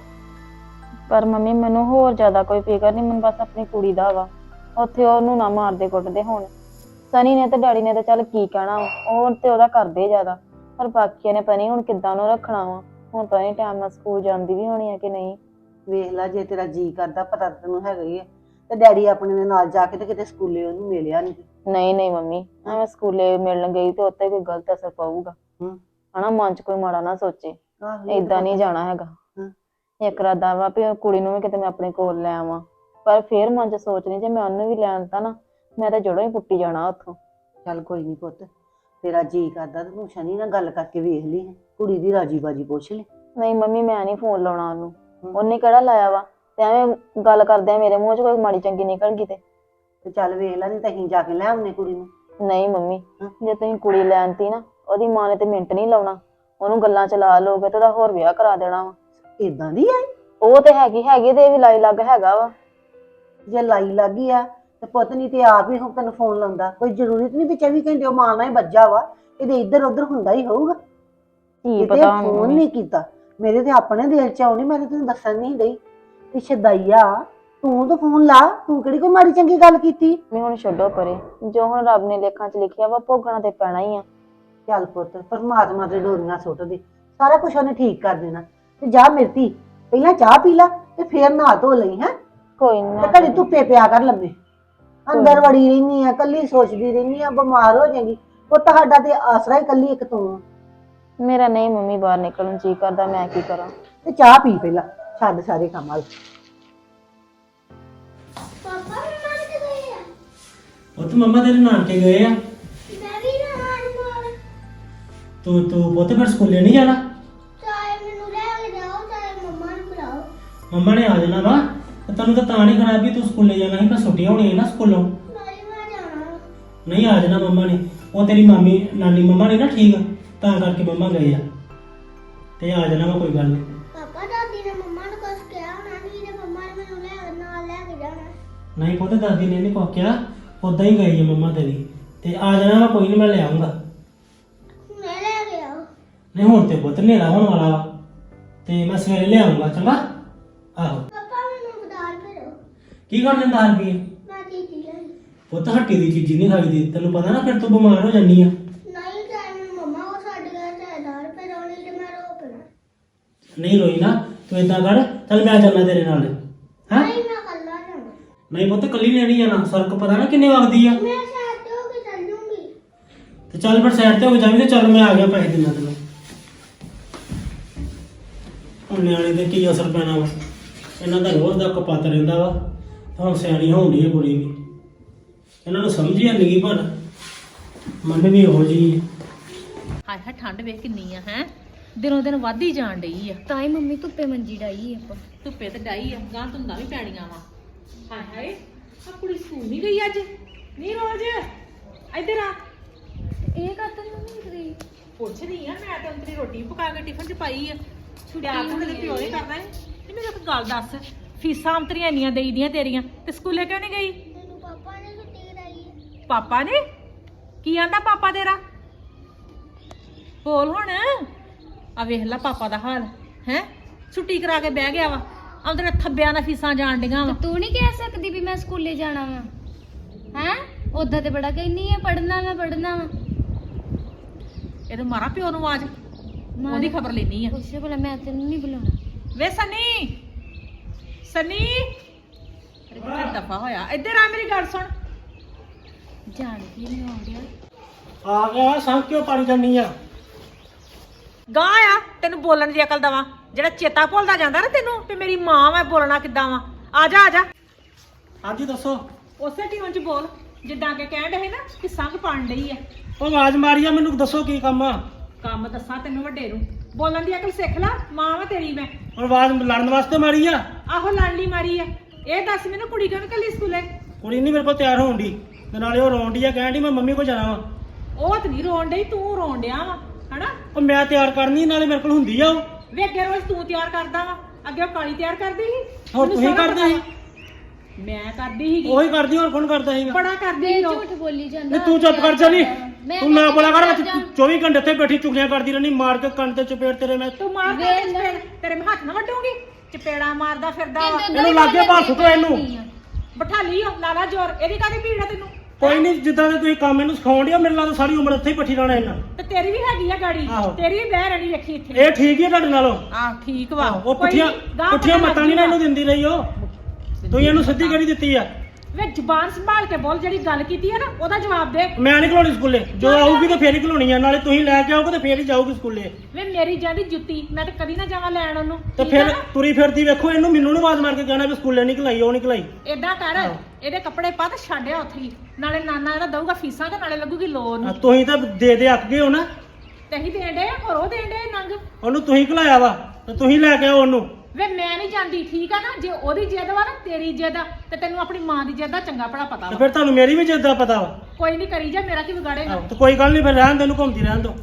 ਪਰ ਮੰਮੀ ਮੈਨੂੰ ਹੋਰ ਜ਼ਿਆਦਾ ਕੋਈ ਫਿਕਰ ਨਹੀਂ, ਮੈਨੂੰ ਬਸ ਆਪਣੀ ਕੁੜੀ ਦਾ ਵਾ। ਉੱਥੇ ਉਹਨੂੰ ਨਾ ਮਾਰਦੇ ਕੁੱਟਦੇ ਹੁਣ। ਸਨੀ ਨੇ ਤੇ ਡੈਡੀ ਨੇ ਤਾਂ ਚੱਲ ਕੀ ਕਹਿਣਾ ਵਾ, ਉਹ ਤੇ ਉਹਦਾ ਕਰਦੇ ਜ਼ਿਆਦਾ, ਪਰ ਬਾਕੀਆਂ ਨੇ ਪਤਾ ਨਹੀਂ ਹੁਣ ਕਿੱਦਾਂ ਉਹਨੂੰ ਰੱਖਣਾ ਵਾ। ਹੁਣ ਪਤਾ ਨਹੀਂ ਟਾਈਮ ਨਾਲ ਸਕੂਲ ਜਾਂਦੀ ਵੀ ਹੋਣੀ ਆ ਕਿ ਨਹੀਂ। ਵੇਖ ਲੈ ਜੇ ਤੇਰਾ ਜੀ ਕਰਦਾ, ਪਤਾ ਤਾਂ ਤੈਨੂੰ ਹੈਗਾ ਹੀ ਆ, ਤੇ ਡੈਡੀ ਆਪਣੇ ਦੇ ਨਾਲ ਜਾ ਕੇ ਤੇ ਕਿਤੇ ਸਕੂਲੇ ਉਹਨੂੰ ਮਿਲਿਆ ਨਹੀਂ। ਨਹੀਂ ਮੰਮੀ, ਐਵੇਂ ਸਕੂਲੇ ਮਿਲਣ ਗਈ ਤੇ ਉੱਤੇ ਕੋਈ ਗਲਤ ਅਸਰ ਪਊਗਾ ਹਨਾ, ਮਨ ਚ ਕੋਈ ਮਾੜਾ ਨਾ ਸੋਚੇ। ਏਦਾਂ ਨਹੀਂ ਜਾਣਾ ਹੈਗਾ। ਇੱਕ ਰਾਦਾ ਵਾ ਵੀ ਕੁੜੀ ਨੂੰ ਵੀ ਕਿਤੇ ਮੈਂ ਆਪਣੇ ਕੋਲ ਲੈ ਆਵਾਂ, ਪਰ ਫੇਰ ਮਨ ਚ ਸੋਚਣੀ ਜੇ ਮੈਂ ਉਹਨੂੰ ਵੀ ਲੈਣ ਤਾਂ ਨਾ ਮੈਂ ਤਾਂ ਜੜੋਂ ਹੀ ਪੁੱਟੀ ਜਾਣਾ ਉੱਥੋਂ। ਚੱਲ ਕੋਈ ਨਹੀਂ ਪੁੱਤ, ਤੇਰਾ ਜੀ ਕਰਦਾ ਤੇ ਤੂੰ ਸ਼ਨੀ ਨਾਲ ਗੱਲ ਕਰਕੇ ਵੇਖ ਲਈ, ਕੁੜੀ ਦੀ ਰਾਜੀ ਬਾਜੀ ਪੁੱਛ ਲੈ। ਨਹੀਂ ਮੰਮੀ ਮੈਂ ਨਹੀਂ ਫੋਨ ਲਾਉਣਾ ਉਹਨੂੰ, ਉਹਨੇ ਕਿਹੜਾ ਲਾਇਆ ਵਾ, ਤੇ ਐਵੇਂ ਗੱਲ ਕਰਦੇ ਆ ਮੇਰੇ ਮੂੰਹ ਚ ਕੋਈ ਮਾੜੀ ਚੰਗੀ ਨਿਕਲ ਗਈ ਤੇ ਚੱਲ ਵੇਖ ਲੈ, ਨਹੀਂ ਤਾਂ ਅਸੀਂ ਜਾ ਕੇ ਲੈ ਆਉਂਦੇ ਕੁੜੀ ਨੂੰ। ਨਹੀਂ ਮੰਮੀ, ਜੇ ਤੁਸੀਂ ਕੁੜੀ ਲੈਣਤੀ ਨਾ, ਉਹਦੀ ਮਾਂ ਨੇ ਤੇ ਮਿੰਟ ਨਹੀਂ ਲਾਉਣਾ, ਉਹਨੂੰ ਗੱਲਾਂ ਚ ਲਾ ਲੋਗੇ ਤੇ ਉਹਦਾ ਹੋਰ ਵਿਆਹ ਕਰਾ ਦੇਣਾ ਵਾ। ਏਦਾਂ ਦੀ ਆਈ? ਉਹ ਤੇ ਹੈਗੀ ਤੇ ਇਹ ਵੀ ਲਾਈ ਲੱਗ ਹੈਗਾ ਵਾ। ਜੇ ਲਾਈ ਲੱਗੀ ਆ ਤੇ ਪੁੱਤ ਨਹੀਂ ਤੇ ਆਪ ਹੀ ਹੁਣ ਤੈਨੂੰ ਫੋਨ ਲਾਉਂਦਾ। ਕੋਈ ਜ਼ਰੂਰਤ ਨਹੀਂ ਵੀ 24 ਘੰਟੇ ਉਹ ਮਾਂ ਨਾਲ ਹੀ ਵੱਜਾ ਵਾ, ਇਹਦੇ ਇੱਧਰ ਉੱਧਰ ਹੁੰਦਾ ਹੀ ਹੋਊਗਾ। ਕੀ ਪਤਾ ਹੁਣ ਫੋਨ ਨਹੀਂ ਕੀਤਾ, ਮੇਰੇ ਤੇ ਆਪਣੇ ਦਿਲ ਚ ਆਉਣੀ, ਮੈਂ ਤੇ ਤੈਨੂੰ ਦੱਸਣ ਨਹੀਂ ਡਈ ਵੀ ਸ਼ਦਾਈਆ ਤੂੰ ਤਾਂ ਫੋਨ ਲਾ, ਤੂੰ ਕਿਹੜੀ ਕੋਈ ਮਾੜੀ ਚੰਗੀ ਗੱਲ ਕੀਤੀ। ਮੈਂ ਹੁਣ ਛੱਡੋ ਪਰੇ, ਜੋ ਹੁਣ ਰੱਬ ਨੇ ਲੇਖਾਂ ਚ ਲਿਖਿਆ ਵਾ ਭੋਗਣਾ ਤੇ ਪੈਣਾ ਹੀ ਆ। ਚੱਲ ਪੁੱਤ, ਪਰਮਾਤਮਾ ਦੇ ਡੋਰੀਆਂ ਸੁੱਟ ਦੇ, ਸਾਰਾ ਕੁਝ ਉਹਨੇ ਠੀਕ ਕਰ ਦੇਣਾ। ਤੇ ਜਾ ਮਿਰਤੀ ਪਹਿਲਾਂ ਚਾਹ ਪੀ ਲਾ ਤੇ ਫੇਰ ਨਹਾ ਧੋ ਲਈ ਹੈ। ਕੋਈ ਨਾ, ਤੇ ਘੜੀ ਧੁੱਪੇ ਪਿਆ ਕਰ ਲੰਮੇ, ਅੰਦਰ ਵੜੀ ਰਹਿਨੀ ਆ, ਕੱਲੀ ਸੋਚਦੀ ਰਹਿਨੀ ਆ, ਬਿਮਾਰ ਹੋ ਜਾਏਗੀ। ਪੁੱਤ ਸਾਡਾ ਤੇ ਆਸਰਾ ਹੀ ਕੱਲੀ ਇੱਕ ਤੂੰ ਆ। ਮੇਰਾ ਨਹੀਂ ਮੰਮੀ ਬਾਹਰ ਨਿਕਲਣ ਜੀ ਕਰਦਾ, ਮੈਂ ਕੀ ਕਰਾਂ। ਤੇ ਚਾਹ ਪੀ ਪਹਿਲਾਂ, ਛੱਡ ਸਾਰੇ ਕੰਮ ਵਾਲ। ਪਾਪਾ ਮੰਮਾ ਕਿੱਥੇ ਗਏ ਆ? ਉਹ ਤਾਂ ਮੰਮਾ ਤੇਰੇ ਨਾਨਕੇ ਗਏ ਆ। ਮੈਂ ਵੀ ਜਾਣਾ ਨਾਲ। ਤੂੰ ਪੁੱਤ ਫਿਰ ਸਕੂਲੇ ਨਹੀਂ ਜਾਣਾ? ਚਾਹੇ ਮੈਨੂੰ ਲੈ ਕੇ ਜਾਓ, ਚਾਹੇ ਮੰਮਾ ਨੂੰ ਬੁਲਾਓ। ਮੰਮਾ ਨੇ ਆ ਜਾਣਾ ਵਾ, ਤੇ ਤੈਨੂੰ ਤਾਂ ਨਹੀਂ ਖਰਾਬ ਵੀ ਤੂੰ ਸਕੂਲੇ ਜਾਣਾ ਸੀ, ਪਰ ਛੁੱਟੀਆਂ ਹੋਣੀਆਂ ਨਾ ਸਕੂਲੋਂ। ਨਹੀਂ ਮੈਂ ਜਾਣਾ। ਨਹੀਂ ਆ ਜਾਣਾ ਮੰਮਾ ਨੇ, ਉਹ ਤੇਰੀ ਨਾਨੀ ਮੰਮਾ ਨੇ ਨਾ ਠੀਕ, ਤਾਂ ਕਰਕੇ ਮੰਮਾ ਗਏ ਆ, ਤੇ ਆ ਜਾਣਾ ਵਾ, ਕੋਈ ਗੱਲ ਨਹੀਂ। ਪਾਪਾ ਦਾਦੀ ਨੇ ਮੰਮਾ ਨੂੰ ਕੁਝ ਕਿਹਾ ਹੋਣਾ, ਨਹੀਂ ਤੇ ਮੰਮਾ ਨੇ ਮੈਨੂੰ ਨਾਲ ਲੈ ਕੇ ਜਾਣਾ। ਨਹੀਂ ਪੁੱਤ ਦਾਦੀ ਨੇ ਨਹੀਂ ਕੁਛ ਕਿਹਾ, ਉਦਾਂ ਹੀ ਗਈ ਹੈ ਮੰਮਾ ਤੇਰੀ, ਤੇ ਆ ਜਾਣਾ ਵਾ, ਕੋਈ ਨਹੀਂ ਮੈਂ ਲੈ ਆਉਂਗਾ। ਮੈਂ ਲੈ ਕੇ ਆਓ। ਨਹੀਂ ਹੁਣ ਤੇ ਪੁੱਤ ਹਨੇਰਾ ਹੋਣ ਵਾਲਾ ਵਾ, ਤੇ ਮੈਂ ਸਵੇਰੇ ਲੈ ਆਉਂਗਾ, ਚੰਗਾ। ਆਹੋ ਪਾਪਾ ਮੈਨੂੰ ਬਦਾਲ ਭੇਜੋ। ਕੀ ਕਰ ਲੈਂਦਾ ਰੁਪਈਏ? ਮੈਂ ਚੀਜ਼ੀ ਲਈ। ਪੁੱਤ ਹੱਟੀ ਦੀ ਚੀਜ਼ ਨਹੀਂ ਖਾਈਦੀ, ਤੈਨੂੰ ਪਤਾ ਨਾ, ਫਿਰ ਤੂੰ ਬਿਮਾਰ ਹੋ ਜਾਨੀ ਆ। ਨਹੀਂ ਚਾਹੇ ਮੈਨੂੰ ਮੰਮਾ ਉਹ ਛੱਡ ਗਿਆ, ਚਾਹੇ ਦਾਲ ਭੇਜੋ, ਨਹੀਂ ਤੇ ਮੈਂ ਰੋ ਪੈਣਾ। ਨਹੀਂ ਰੋਈ ਨਾ, ਤੂੰ ਏਦਾਂ ਕਰ, ਚੱਲ ਮੈਂ ਚੱਲਣਾ ਤੇਰੇ ਨਾਲ। ਹਾਂ ਨਹੀਂ ਮੈਂ ਕੱਲਾ ਜਾਣਾ। ਨਹੀਂ ਪੁੱਤ ਕੱਲੀ ਨੇ ਨਹੀਂ ਜਾਣਾ, ਸੜਕ ਪਤਾ ਨਾ ਕਿੰਨੇ ਵਗਦੀ ਆ। ਮੈਂ ਸਾਥ ਹੋ ਕੇ ਚੱਲ ਜੂੰਗੀ। ਤੇ ਚੱਲ ਫਿਰ ਸਾਈਡ ਤੇ ਹੋ ਕੇ ਜਾਵੀਂ, ਤੇ ਚੱਲ ਮੈਂ ਆ ਗਿਆ, ਪੈਸੇ ਦਿੰਦਾ ਤੈਨੂੰ। ਹੁਣ ਨਿਆਣੇ ਦੇ ਕੀ ਅਸਰ ਪੈਣਾ ਵਾ, ਇਹਨਾਂ ਦਾ ਰੋਜ਼ ਦਾ ਕਪੱਤ ਰਹਿੰਦਾ ਵਾ। ਹੁਣ ਸਿਆਣੀ ਹੋਣ ਡਈ ਆ ਕੁੜੀ ਵੀ, ਇਹਨਾਂ ਨੂੰ ਸਮਝ ਹੀ ਨਹੀਂ, ਪਰ ਮਨ ਵੀ ਉਹੋ ਜਿਹੀ ਹਾਏ ਹਾਏ ਠੰਡ ਵੇਖ ਕਿੰਨੀ ਆ ਹੈ, ਦਿਨੋਂ ਦਿਨ ਵੱਧਦੀ ਜਾਣ ਡਈ ਆ। ਤਾਂ ਹੀ ਮੰਮੀ ਧੁੱਪੇ ਮੰਜੀ ਡਾਈ ਆਪਾਂ। ਧੁੱਪੇ ਤੇ ਡਾਈ ਆ, ਗਾਂ ਧੁੰਦਾਂ ਵੀ ਪੈਣੀਆਂ ਵਾ। ਹਾਏ ਹਾਏ ਆ ਕੁੜੀ ਸਕੂਲ ਨਹੀਂ ਗਈ ਅੱਜ? ਨਹੀਂ ਰੋਜ਼ ਇੱਧਰ ਆ। ਇਹ ਕਰਤਾ ਮੰਮੀ ਕਰੀ। ਪੁੱਛਦੀ ਆ ਮੈਂ, ਤਾਂ ਤੇਰੀ ਰੋਟੀ ਪਕਾ ਕੇ ਟਿਫਨ ਚ ਪਾਈ ਆ। ਛੁੱਟਿਆ ਤਾਂ ਤੇਰੇ ਪਿਓ ਨੇ ਕਰਨਾ ਹੈ। ਤੇ ਮੈਨੂੰ ਇੱਕ ਗੱਲ ਦੱਸ, ਫੀਸਾਂ ਅੰਤਰੀਆਂ ਇੰਨੀਆਂ ਦੇਈਦੀਆਂ ਤੇਰੀਆਂ, ਤੇ ਸਕੂਲੇ ਕਿਉਂ ਨਹੀਂ ਗਈ? ਮੈਨੂੰ ਪਾਪਾ ਨੇ ਛੁੱਟੀ ਕਰਾਈ ਹੈ। ਪਾਪਾ ਨੇ ਕੀ ਆਂਦਾ? ਪਾਪਾ ਤੇਰਾ ਬੋਲ ਹੁਣ। ਆ ਵੇਖ ਲੈ ਪਾਪਾ ਦਾ ਹਾਲ ਹੈ, ਛੁੱਟੀ ਕਰਾ ਕੇ ਬਹਿ ਗਿਆ ਵਾ, ਆਉਂਦੇ ਥੱਬਿਆਂ ਨਾਲ ਫੀਸਾਂ ਜਾਣ ਡੀਆਂ ਵਾ। ਤੂੰ ਨਹੀਂ ਕਹਿ ਸਕਦੀ ਵੀ ਮੈਂ ਸਕੂਲੇ ਜਾਣਾ ਵਾ ਹੈ? ਉਦਾਂ ਤੇ ਬੜਾ ਕਹਿੰਦੀ ਹੈ ਪੜ੍ਹਨਾ ਵਾ ਪੜ੍ਹਨਾ ਵਾ। ਇਹਦੇ ਮਾਰਾ ਪਿਓ ਨੂੰ ਆਵਾਜ਼, ਉਹਦੀ ਖਬਰ ਲੈਣੀ ਆ। ਪੁੱਛੇ ਭਲਾ, ਮੈਂ ਤੈਨੂੰ ਨਹੀਂ ਬੁਲਾਉਣਾ। ਵੇ ਸਨੀ, ਸਨੀ ਅਰੇ ਦਫਾ ਹੋਇਆ, ਇੱਧਰ ਆ ਮੇਰੀ ਗੱਲ ਸੁਣ। ਜਾਣ ਕੀ ਨਹੀਂ ਆਉਂਦਿਆ। ਆ ਗਿਆ। ਸੰਗ ਕਿਉਂ ਪਾਣੀ ਕਰਨੀ ਆ? ਗਾਂ ਆ ਤੈਨੂੰ ਬੋਲਣ ਦੀ ਅਕਲ ਦਵਾਂ, ਜਿਹੜਾ ਚੇਤਾ ਭੁੱਲਦਾ ਜਾਂਦਾ ਨਾ ਤੈਨੂੰ ਵੀ ਮੇਰੀ ਮਾਂ ਵਾ, ਬੋਲਣਾ ਕਿੱਦਾਂ ਵਾ। ਆ ਜਾ ਆ ਜਾ। ਹਾਂਜੀ ਦੱਸੋ। ਉਸੇ ਟਿਊਨ ਚ ਬੋਲ ਜਿੱਦਾਂ ਕਿ ਕਹਿਣ ਡਏ ਨਾ ਕਿ ਸੰਗ ਪਾਣ ਡਈ ਆ। ਉਹ ਆਵਾਜ਼ ਮਾਰੀ ਆ, ਮੈਨੂੰ ਦੱਸੋ ਕੀ ਕੰਮ ਆ? ਕੰਮ ਦੱਸਾਂ ਤੈਨੂੰ ਵੱਡੇ ਨੂੰ, ਬੋਲਣ ਦੀ ਅਕਲ ਸਿੱਖ ਲੈ, ਮਾਂ ਵਾ ਤੇਰੀ ਮੈਂ। ਹੁਣ ਆਵਾਜ਼ ਲੜਨ ਵਾਸਤੇ ਮਾਰੀ ਆ? ਆਹੋ ਲਾਡਲੀ ਮਾਰੀ ਆ। ਇਹ ਦੱਸ ਮੈਨੂੰ ਕੁੜੀ ਕਿਉਂ ਨੀ ਘੱਲੀ ਸਕੂਲੇ? ਕੁੜੀ ਨਹੀਂ ਮੇਰੇ ਕੋਲ ਤਿਆਰ ਹੋਣ ਦੀ, ਤੇ ਨਾਲੇ ਉਹ ਰੋਣ ਡਈ ਆ, ਕਹਿਣ ਡਈ ਮੈਂ ਮੰਮੀ ਕੋਲ ਜਾਣਾ ਵਾ। ਉਹ ਤੇ ਨਹੀਂ ਰੋਣ ਡਈ, ਤੂੰ ਰੋਣ ਡਿਆ ਵਾ ਹਨਾ। ਉਹ ਮੈਂ ਤਿਆਰ ਕਰਨੀ, ਨਾਲੇ ਮੇਰੇ ਕੋਲ ਹੁੰਦੀ ਆ ਉਹ। ਵੇ ਅੱਗੇ ਰੋਜ਼ ਤੂੰ ਤਿਆਰ ਕਰਦਾ ਵਾ, ਅੱਗੇ ਉਹ ਕਾਲੀ ਤਿਆਰ ਕਰਦੀ ਸੀ। ਹੋਰ ਮੈਨੂੰ ਤੁਸੀਂ ਸਾਰਾ ਕਰਦੇ ਪਤਾ ਸੀ? ਵਾ। ਮੈਂ ਕਰਦੀ ਸੀਗੀ, ਉਹੀ ਕਰਦੀ, ਹੋਰ ਕੌਣ ਕਰਦਾ ਸੀਗਾ? ਬੜਾ ਕਰਦੀ ਸੀ ਉਹ। ਝੂਠ ਬੋਲੀ ਜਾਂਦਾ ਨਹੀਂ ਤੂੰ ਚੁੱਪ ਕਰ ਚੱਲੀ, ਮੈਂ ਤੂੰ ਨਾ ਬੋਲਾ ਕਰ। ਜਾ। 24 ਘੰਟੇ ਇੱਥੇ ਬੈਠੀ ਚੁਗਲੀਆਂ ਕਰਦੀ ਰਹਿਣੀ, ਮਾਰ ਕੇ ਕੰਨ ਤੇ ਚਪੇੜ ਤੇਰੇ ਮੈਂ। ਤੂੰ ਮਾਰਦਾ ਚਪੇੜ, ਤੇਰੇ ਮੈਂ ਹੱਥ ਨਾ ਵੱਡੂਗੀ। ਚਪੇੜਾ ਮਾਰਦਾ ਫਿਰਦਾ ਵਾ। ਇਹਨੂੰ ਲਾਗੇ ਭਾਰ ਸੁੱਟੋ ਇਹਨੂੰ। ਬਿਠਾ ਲਈ ਉਹ, ਲਾਲਾ ਜੋਰ। ਇਹਦੀ ਕਾਹਦੀ ਭੀੜ ਆ ਤੈਨੂੰ? ਕੋਈ ਨਹੀਂ, ਜਿੱਦਾਂ ਦੇ ਤੁਸੀਂ ਕੰਮ ਇਹਨੂੰ ਸਿਖਾਉਣ ਡਿਆ, ਮੇਰੇ ਨਾਲ ਸਾਰੀ ਉਮਰ ਇੱਥੇ ਹੀ ਪੱਠੀ ਰਹਿਣਾ ਇਹਨਾਂ। ਤੇ ਤੇਰੀ ਵੀ ਹੈਗੀ ਆ ਗਾੜੀ, ਆਹੋ। ਤੇਰੀ ਵੀ ਬਹਿ ਰਹਿਣੀ ਵੇਖੀ ਇੱਥੇ। ਇਹ ਠੀਕ ਹੀ ਆ ਤੁਹਾਡੇ ਨਾਲੋਂ। ਆਹ ਠੀਕ ਵਾ। ਉਹ ਕੋਈ ਪੁੱਠੀਆਂ ਨੀ, ਗਾਂਹ ਪੁੱਠੀਆਂ ਪਤਾ ਮਤਾਂ ਨਹੀਂ ਨਾ ਲੱਗ ਇਹਨੂੰ ਦਿੰਦੀ ਰਹੀ ਉਹ। ਤੁਸੀਂ ਇਹਨੂੰ ਸਿੱਧੀ ਕਿਹੜੀ ਦਿੱਤੀ ਆ? ਵੇ ਜ਼ੁਬਾਨ ਸੰਭਾਲ ਕੇ ਬੋਲ, ਜਿਹੜੀ ਗੱਲ ਕੀਤੀ ਆ ਨਾ ਉਹਦਾ ਜਵਾਬ ਦੇ। ਮੈਂ ਨਹੀਂ ਘਲਾਉਣੀ ਸਕੂਲੇ, ਜੋ ਆਊਗੀ ਤਾਂ ਫੇਰ ਹੀ ਘਲਾਉਣੀ ਆ। ਨਾਲੇ ਤੁਸੀਂ ਲੈ ਕੇ ਆਓਗੇ ਤਾਂ ਫੇਰ ਹੀ ਜਾਊਗੀ ਸਕੂਲੇ। ਵੇ ਮੇਰੀ ਜਾਂਦੀ ਜੁੱਤੀ, ਮੈਂ ਤਾਂ ਕਦੀ ਨਾ ਜਾਵਾਂ ਲੈਣ ਉਹਨੂੰ। ਤੇ ਠੀਕ ਆ ਫਿਰ ਨਾ? ਤੁਰੀ ਫਿਰਦੀ ਵੇਖੋ ਇਹਨੂੰ, ਮੈਨੂੰ ਨੂੰ ਆਵਾਜ਼ ਮਾਰ ਕੇ ਕਹਿਣਾ ਵੀ ਸਕੂਲੇ ਨਹੀਂ ਘਲਾਈ, ਉਹ ਨਹੀਂ ਘਲਾਈ। ਏਦਾਂ ਕਰ, ਇਹਦੇ ਕੱਪੜੇ ਪਾ ਤੇ ਛੱਡਿਆ ਉੱਥੇ ਹੀ। ਨਾਲੇ ਨਾਨਾ ਇਹਦਾ ਦਊਗਾ ਫੀਸਾਂ ਤੇ ਨਾਲੇ ਲੱਗੂਗੀ ਲੋਨ। ਤੁਸੀਂ ਤਾਂ ਦੇ ਅੱਕ ਗਏ ਹੋ ਨਾ। ਤੇ ਅਸੀਂ ਦੇਣ ਡੇ, ਹੋਰ ਉਹ ਦੇਣ ਡੇ ਨੰਗ। ਉਹਨੂੰ ਤੁਸੀਂ ਘਲਾਇਆ ਵਾ ਤੇ ਤੁਸੀਂ ਲੈ ਕੇ ਆਓ ਉਹਨੂੰ। ਵੇ ਮੈਂ ਨਹੀਂ ਜਾਂਦੀ, ਠੀਕ ਆ ਨਾ? ਜੇ ਉਹਦੀ ਜਿੱਦ ਵਾ ਨਾ, ਤੇਰੀ ਜਿੱਦ ਆ, ਤੇ ਤੈਨੂੰ ਆਪਣੀ ਮਾਂ ਦੀ ਜਿੱਦ ਦਾ ਚੰਗਾ ਭਲਾ ਪਤਾ ਤੇ ਵਾ। ਫਿਰ ਤੁਹਾਨੂੰ ਮੇਰੀ ਵੀ ਜਿੱਦ ਦਾ ਪਤਾ ਵਾ। ਕੋਈ ਨਹੀਂ ਕਰੀ ਜਾ, ਮੇਰਾ ਕੀ ਵਿਗਾੜੇਗਾ। ਤੇ ਕੋਈ ਗੱਲ ਨਹੀਂ, ਫਿਰ ਰਹਿਣ ਦੇ, ਇਹਨੂੰ ਘੁੰਮਦੀ ਰਹਿਣ ਦੋ।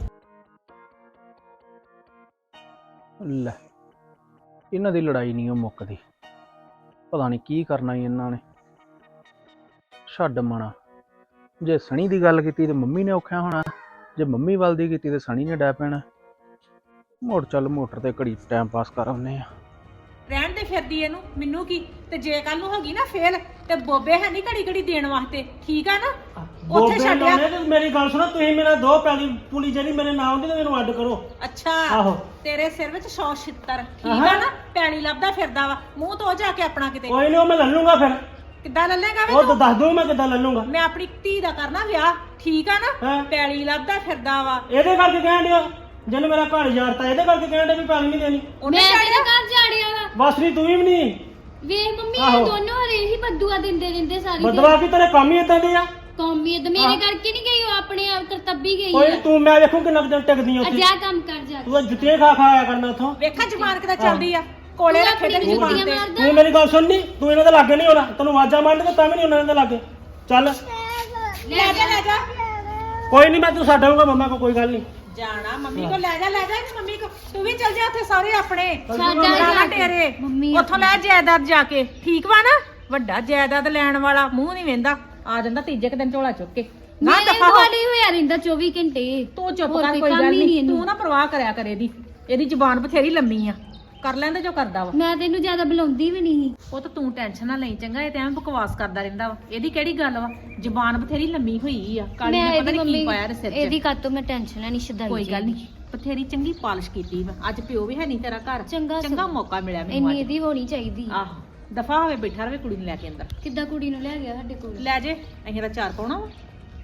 ਲੈ ਇਹਨਾਂ ਦੀ ਲੜਾਈ ਨਹੀਂ ਉਹ ਮੁੱਕਦੀ, ਪਤਾ ਨਹੀਂ ਕੀ ਕਰਨਾ ਈ ਇਹਨਾਂ ਨੇ। ਛੱਡ ਮਣਾ, ਜੇ ਸਣੀ ਦੀ ਗੱਲ ਕੀਤੀ ਤੇ ਮੰਮੀ ਨੇ ਔਖਿਆ ਹੋਣਾ, ਜੇ ਮੰਮੀ ਵੱਲ ਦੀ ਕੀਤੀ ਤੇ ਸਣੀ ਨੇ ਡੈ ਪੈਣਾ। ਮੋੜ ਚੱਲ ਮੋਟਰ ਤੇ ਘੜੀ ਟਾਈਮ ਪਾਸ ਕਰ ਆਉਂਦੇ ਆ। ਰਹਿਣ ਦੇ ਫਿਰਦੀ ਇਹਨੂੰ, ਮੈਨੂੰ ਕੀ। ਤੇ ਜੇ ਕੱਲ ਨੂੰ ਹੋ ਗਈ ਨਾ ਫੇਲ, ਤੇ ਬੋਬੇ ਹੈ ਨਹੀਂ ਘੜੀ ਘੜੀ ਦੇਣ ਵਾਸਤੇ, ਠੀਕ ਆ ਨਾ? ਉੱਥੇ ਬੋਬੇ ਛੱਡਿਆ। ਲਾਉਣੇ ਤੇ ਮੇਰੀ ਗੱਲ ਸੁਣੋ, ਤੁਸੀਂ ਮੇਰਾ ਦੋ ਪੈਲੀ ਪੁਲੀ ਜਿਹੜੀ ਮੇਰੇ ਨਾਂ ਆਉਂਦੀ ਤੇ ਮੈਨੂੰ ਅੱਡ ਕਰੋ। ਅੱਛਾ, ਆਹੋ। ਤੇਰੇ ਸਿਰ ਵਿੱਚ 100 ਛਿੱਤਰ, ਠੀਕ ਆ ਨਾ? ਪੈਣੀ ਲੱਭਦਾ ਫਿਰਦਾ ਵਾ, ਮੂੰਹ ਤੋਂ ਜਾ ਕੇ ਆਪਣਾ ਕਿਤੇ। ਕੋਈ ਨਹੀਂ, ਉਹ ਮੈਂ ਲੈ ਲੂੰਗਾ ਫਿਰ। ਕਿੱਦਾਂ ਲੱਲੇਗਾ ਵੇ ਉਹ ਤੂੰ? ਤਾਂ ਦੱਸ ਦੂੰ ਮੈਂ ਕਿੱਦਾਂ ਲੈ ਲੂੰਗਾ। ਮੈਂ ਆਪਣੀ ਧੀ ਦਾ ਕਰਨਾ ਵਿਆਹ, ਠੀਕ ਆ ਨਾ? ਹਾਂ। ਪੈਣੀ ਲੱਭਦਾ ਫਿਰਦਾ ਵਾ। ਇਹਦੇ ਕਰਕੇ ਕਹਿਣ ਡਿਆ, ਜਿਹਨੇ ਮੇਰਾ ਘਰ ਯਾਰਤਾ, ਇਹਦੇ ਕਰਕੇ ਕਹਿਣ ਡਿਆ ਵੀ ਪੈਲੀ ਨਹੀਂ ਦੇਣੀ। ਉਹਨੇ ਮੈਂ ਛੱਡਿਆ। ਤੇਰੇ ਘਰ ਜਾੜਿਆ ਵਾ। ਬਸ ਨਹੀਂ, ਤੂੰ ਵੀ ਨਹੀਂ। ਵੇਖ ਮੰਮੀ ਆਹੋ। ਇਹ ਦੋਨੋਂ ਹਰੇ ਹੀ ਬੱਦੂਆ ਦਿੰਦੇ ਰਹਿੰਦੇ ਸਾਰੀ ਬਦਵਾ ਵੀ ਤੇਰੇ ਕੰਮ ਹੀ ਇਦਾਂ ਦੇ ਆ। ਕੌਮੀਅਤ ਮੇਰੇ ਕਰਕੇ ਨਹੀਂ ਗਈ, ਉਹ ਆਪਣੇ ਆਪ ਕਰਤੱਬੀ ਗਈ ਕੋਈ ਆ। ਨੀ, ਤੂੰ ਮੈਂ ਵੇਖੂ ਕਿੰਨਾ ਕੁ ਦਿਨ ਟਿਕਦੀ ਉੱਥੇ। ਅਜਾ ਕੰਮ ਕਰ ਜਾ ਤੂੰ ਤਾਂ ਜੁੱਤੀਆਂ ਖਾ ਆਇਆ ਕਰਨਾ ਉੱਥੋਂ। ਵੇਖਾ ਜ਼ਬਾਨ ਕਿੱਦਾਂ ਚੱਲਦੀ ਆ, ਕੋਲੇ ਤੂੰ ਰੱਖੇ ਆਪਣੀ ਤੇਰੀ ਜ਼ਬਾਨ ਜੁੱਤੀਆਂ ਤੇ। ਮਾਰਦਾ। ਤੂੰ ਮੇਰੀ ਗੱਲ ਸੁਣਨੀ, ਤੂੰ ਇਹਨਾਂ ਦੇ ਲਾਗੇ ਨਹੀਂ ਹੋਣਾ। ਤੈਨੂੰ ਆਵਾਜ਼ਾਂ ਮਾਰਨਗੇ ਤਾਂ ਵੀ ਨਹੀਂ ਉਹਨਾਂ ਦੇ ਲਾਗੇ। ਚੱਲ ਲੈ ਜਾ ਲੈ ਜਾ। ਕੋਈ ਨਹੀਂ, ਮੈਂ ਤੈਨੂੰ ਛੱਡ ਆਊਂਗਾ ਮੰਮਾ ਕੋ, ਕੋਈ ਗੱਲ ਨਹੀਂ। ਜਾਣਾ ਮੰਮੀ ਕੋ, ਲੈ ਜਾ ਇਹਨੂੰ ਮੰਮੀ ਕੋ। ਤੂੰ ਵੀ ਚੱਲ ਜਾ ਉੱਥੇ ਸਾਰੇ ਆਪਣੇ ਛੱਡ ਜਾਣਾ ਆ ਤੇਰੇ। ਮੰਮੀ ਉੱਥੋਂ ਲੈ ਜਾਇਦਾਦ ਜਾ ਕੇ, ਠੀਕ ਵਾ ਨਾ? ਵੱਡਾ ਜਾਇਦਾਦ ਲੈਣ ਵਾਲਾ ਮੂੰਹ ਨਹੀਂ ਵੇਂਦਾ, ਆ ਜਾਂਦਾ ਤੀਜੇ ਕੁ ਦਿਨ ਝੋਲਾ ਚੁੱਕ ਕੇ। ਨਾ ਮੇਰੇ ਦਫਾ ਹੋ। ਦੁਆਲੇ ਹੋਇਆ ਰਹਿੰਦਾ 24 ਘੰਟੇ। ਤੂੰ ਚੁੱਪ ਹੋਰ ਕਰ, ਕੋਈ ਕੋਈ ਕੰਮ ਗੱਲ ਹੀ ਨਹੀਂ। ਨਹੀਂ ਇਹਨੂੰ। ਤੂੰ ਨਾ ਪਰਵਾਹ ਕਰਿਆ ਕਰ ਇਹਦੀ ਜ਼ੁਬਾਨ ਬਥੇਰੀ ਲੰਮੀ ਆ, ਕਰ ਲੈਂਦੇ ਜੋ ਕਰਦਾ ਵਾ। ਮੈਂ ਤੈਨੂੰ ਜ਼ਿਆਦਾ ਬੁਲਾਉਂਦੀ ਵੀ ਨਹੀਂ। ਉਹ ਤਾਂ ਤੂੰ ਟੈਨਸ਼ਨ ਨਾ ਲਈ ਚੰਗਾ, ਇਹ ਤੇ ਐਵੇਂ ਬਕਵਾਸ ਕਰਦਾ ਰਹਿੰਦਾ ਵਾ। ਇਹਦੀ ਕਿਹੜੀ ਗੱਲ ਵਾ? ਜ਼ੁਬਾਨ ਬਥੇਰੀ ਲੰਮੀ ਹੋਈ ਆ, ਕਾਲੀ ਮੈਂ ਨੇ ਪਤਾ ਇਹਦੀ ਨਹੀਂ ਕੀ ਮੰਮੀ ਪਾਇਆ ਇਹਦੇ ਸਿਰ 'ਚ। ਇਹਦੀ ਕਾਤੋਂ ਮੈਂ ਟੈਨਸ਼ਨ ਲੈਣੀ ਸ਼ਦਾਈ। ਕੋਈ ਗੱਲ ਨਹੀਂ, ਬਥੇਰੀ ਚੰਗੀ ਪਾਲਿਸ਼ ਕੀਤੀ ਵਾ। ਅੱਜ ਪਿਓ ਵੀ ਹੈ ਨਹੀਂ ਤੇਰਾ ਘਰ, ਚੰਗਾ ਚੰਗਾ ਮੌਕਾ ਮਿਲਿਆ ਮੈਨੂੰ ਇੰਨੀ ਅੱਜ। ਇਹਦੀ ਹੋਣੀ ਚਾਹੀਦੀ। ਆਹੋ, ਦਫਾ ਹੋਵੇ, ਬੈਠਾ ਰਵੇ ਕੁੜੀ ਨੂੰ ਲੈ ਕੇ ਅੰਦਰ। ਕਿੱਦਾਂ ਕੁੜੀ ਨੂੰ ਲੈ ਗਿਆ ਸਾਡੇ ਕੋਲ? ਲੈ ਜੇ, ਅਸੀਂ ਦਾ ਚਾਰ ਪਾਉਣਾ ਵਾ।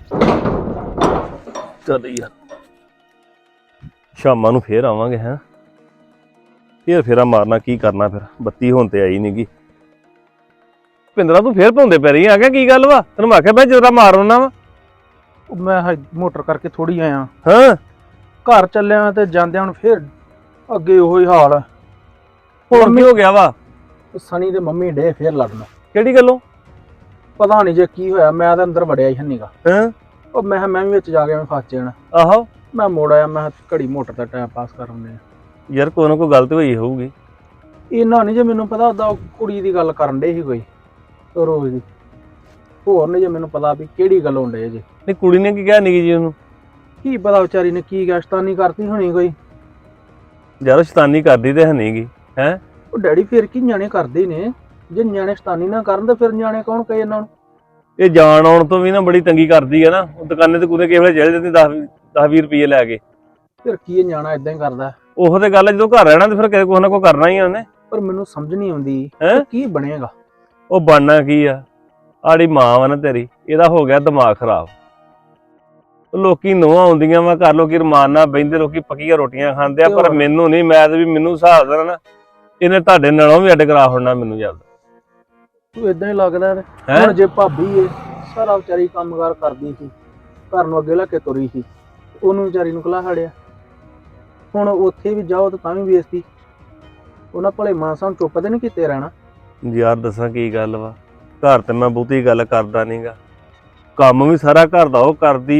ਚੱਲ ਯਾਰ, ਸ਼ਾਮਾਂ ਨੂੰ ਫੇਰ ਆਵਾਂਗੇ। ਹੈਂ, ਫੇਰ ਫੇਰਾ ਮਾਰਨਾ, ਕੀ ਕਰਨਾ ਫਿਰ। ਬੱਤੀ ਹੁਣ ਤੇ ਆਈ ਨਹੀਂਗੀ। ਭਿੰਦਰਾ ਤੂੰ ਫੇਰ ਭੌਂਦੇ ਪੈ ਰਹੀ ਆ ਗਿਆ, ਕੀ ਗੱਲ ਵਾ? ਤੈਨੂੰ ਮੈਂ ਆਖਿਆ ਮੈਂ ਜਰਾ ਮਾਰ ਆਉਣਾ ਵਾ। ਉਹ ਮੈਂ ਮੋਟਰ ਕਰਕੇ ਥੋੜੀ ਆਇਆ, ਹਾਂ, ਘਰ ਚੱਲਿਆ ਤੇ ਜਾਂਦਿਆਂ ਹੁਣ ਫੇਰ ਅੱਗੇ ਉਹੋ ਹੀ ਹਾਲ। ਹੁਣ ਕੀ ਹੋ ਗਿਆ ਵਾ? ਸਣੀ ਤੇ ਮੰਮੀ ਡੇ ਫੇਰ ਲੜਨ। ਕਿਹੜੀ ਗੱਲੋਂ? ਪਤਾ ਨਹੀਂ ਜੇ ਕੀ ਹੋਇਆ, ਮੈਂ ਤਾਂ ਅੰਦਰ ਵੜਿਆ ਹੀ ਹੰਨੀਗਾ। ਹਾਂ, ਉਹ ਮੈਂ ਕਿਹਾ ਮੈਂ ਵੀ ਵਿੱਚ ਜਾ ਕੇ ਮੈਂ ਫਸ ਜਾਣਾ। ਆਹੋ ਮੈਂ ਮੋੜ ਆਇਆ, ਮੈਂ ਕਿਹਾ ਘੜੀ ਮੋਟਰ ਦਾ ਟਾਈਮ ਪਾਸ ਕਰ ਆਉਂਦੇ ਆ। ਯਾਰ, ਕੋਈ ਨਾ ਕੋਈ ਗਲਤ ਹੋਈ ਹੋਊਗੀ। ਇਹਨਾਂ ਨਹੀਂ ਜੇ ਮੈਨੂੰ ਪਤਾ ਉਹਦਾ ਕੁੜੀ ਦੀ ਗੱਲ ਕਰਨ ਡੇ ਸੀ ਕੋਈ ਰੋਜ਼ ਦੀ। ਹੋਰ ਨਹੀਂ ਜੇ ਮੈਨੂੰ ਪਤਾ ਵੀ ਕਿਹੜੀ ਗੱਲ ਹੋਣ ਡੇ ਜੇ। ਨਹੀਂ, ਕੁੜੀ ਨੇ ਕੀ ਕਿਹਾ ਨਿੱਕੀ ਜੀ ਉਹਨੂੰ? ਕੀ ਪਤਾ ਵਿਚਾਰੀ ਨੇ ਕੀ ਗਸ਼ਤਾਨੀ ਕਰਤੀ ਹੋਣੀ ਕੋਈ। ਯਾਰ, ਸ਼ੈਤਾਨੀ ਕਰਦੀ ਤੇ ਹੈ ਨਹੀਂਗੀ। ਹੈ, ਉਹ ਡੈਡੀ ਫਿਰ ਕੀ ਨਿਆਣੇ ਕਰਦੇ ਹੀ ਨੇ। ਜੇ ਨਿਆਣੇ ਸ਼ੈਤਾਨੀ ਨਾ ਕਰਨ ਤਾਂ ਫਿਰ ਨਿਆਣੇ ਕੌਣ ਕਹੇ ਇਹਨਾਂ ਨੂੰ? ਇਹ ਜਾਣ ਆਉਣ ਤੋਂ ਵੀ ਨਾ ਬੜੀ ਤੰਗੀ ਕਰਦੀ ਹੈ ਨਾ। ਉਹ ਦੁਕਾਨੇ ਤੇ ਕੁਦੇ ਕਿਸੇ ਵੇਲੇ ਚਲੇ ਜਾਂਦੀ 10-20 ਰੁਪਏ ਲੈ ਕੇ। ਫਿਰ ਕੀ ਇਹ ਨਿਆਣਾ ਇਦਾਂ ਹੀ ਕਰਦਾ। ਉਹੋ ਤੇ ਗੱਲ ਹੈ, ਜਦੋਂ ਘਰ ਰਹਿਣਾ ਤੇ ਫਿਰ ਕਿਸੇ ਨਾ ਕੋਈ ਕਰਨਾ ਹੀ ਆ ਉਹਨੇ। ਪਰ ਮੈਨੂੰ ਸਮਝ ਨਹੀਂ ਆਉਂਦੀ ਹੈਂ? ਕੀ ਬਣੇਗਾ। ਉਹ ਬਣਨਾ ਕੀ ਆ? ਆੜੀ ਮਾਂ ਵਾ ਨਾ ਤੇਰੀ, ਇਹਦਾ ਹੋ ਗਿਆ ਦਿਮਾਗ ਖਰਾਬ। ਲੋਕੀ ਨੋਹਾਂ ਆਉਂਦੀਆਂ ਵਾ ਘਰ, ਲੋਕੀ ਰਮਾਨ ਨਾਲ ਬਹਿੰਦੇ, ਲੋਕੀ ਪੱਕੀਆਂ ਰੋਟੀਆਂ ਖਾਂਦੇ ਆ। ਪਰ ਮੈਨੂੰ ਨਹੀਂ, ਮੈਂ ਤੇ ਵੀ ਮੈਨੂੰ ਹਿਸਾਬ ਦੇਣਾ ਨਾ, ਇਹਨੇ ਤੁਹਾਡੇ ਨਾਲੋਂ ਵੀ ਅੱਡ ਕਰਾ ਹੋਣਾ ਮੈਨੂੰ ਜਦ। ਤੂੰ ਇਦਾਂ ਹੀ ਲੱਗਦਾ ਹੈਂ? ਹੁਣ ਜੇ ਭਾਬੀ ਏ ਸਾਰਾ ਵਿਚਾਰੀ ਕੰਮਕਾਰ ਕਰਦੀ ਸੀ, ਘਰ ਨੂੰ ਅੱਗੇ ਲਾ ਕੇ ਤੁਰੀ ਸੀ, ਉਹਨੂੰ ਵਿਚਾਰੀ ਨੂੰ ਕਲਾ ਹੜਿਆ। ਹੁਣ ਉੱਥੇ ਵੀ ਜਾਓ ਤਾਂ ਵੀ ਬੇਇੱਜ਼ਤੀ। ਉਹਨਾਂ ਭਲੇ ਮਾਨਸਾਂ ਨੂੰ ਚੁੱਪ ਤੇ ਨਹੀਂ ਕੀਤੇ ਰਹਿਣਾ। ਯਾਰ ਦੱਸਾਂ ਕੀ ਗੱਲ ਵਾ, ਘਰ ਤੇ ਮੈਂ ਬਹੁਤੀ ਗੱਲ ਕਰਦਾ ਨਹੀਂਗਾ। ਕੰਮ ਵੀ ਸਾਰਾ ਘਰ ਦਾ ਉਹ ਕਰਦੀ ਉਹ,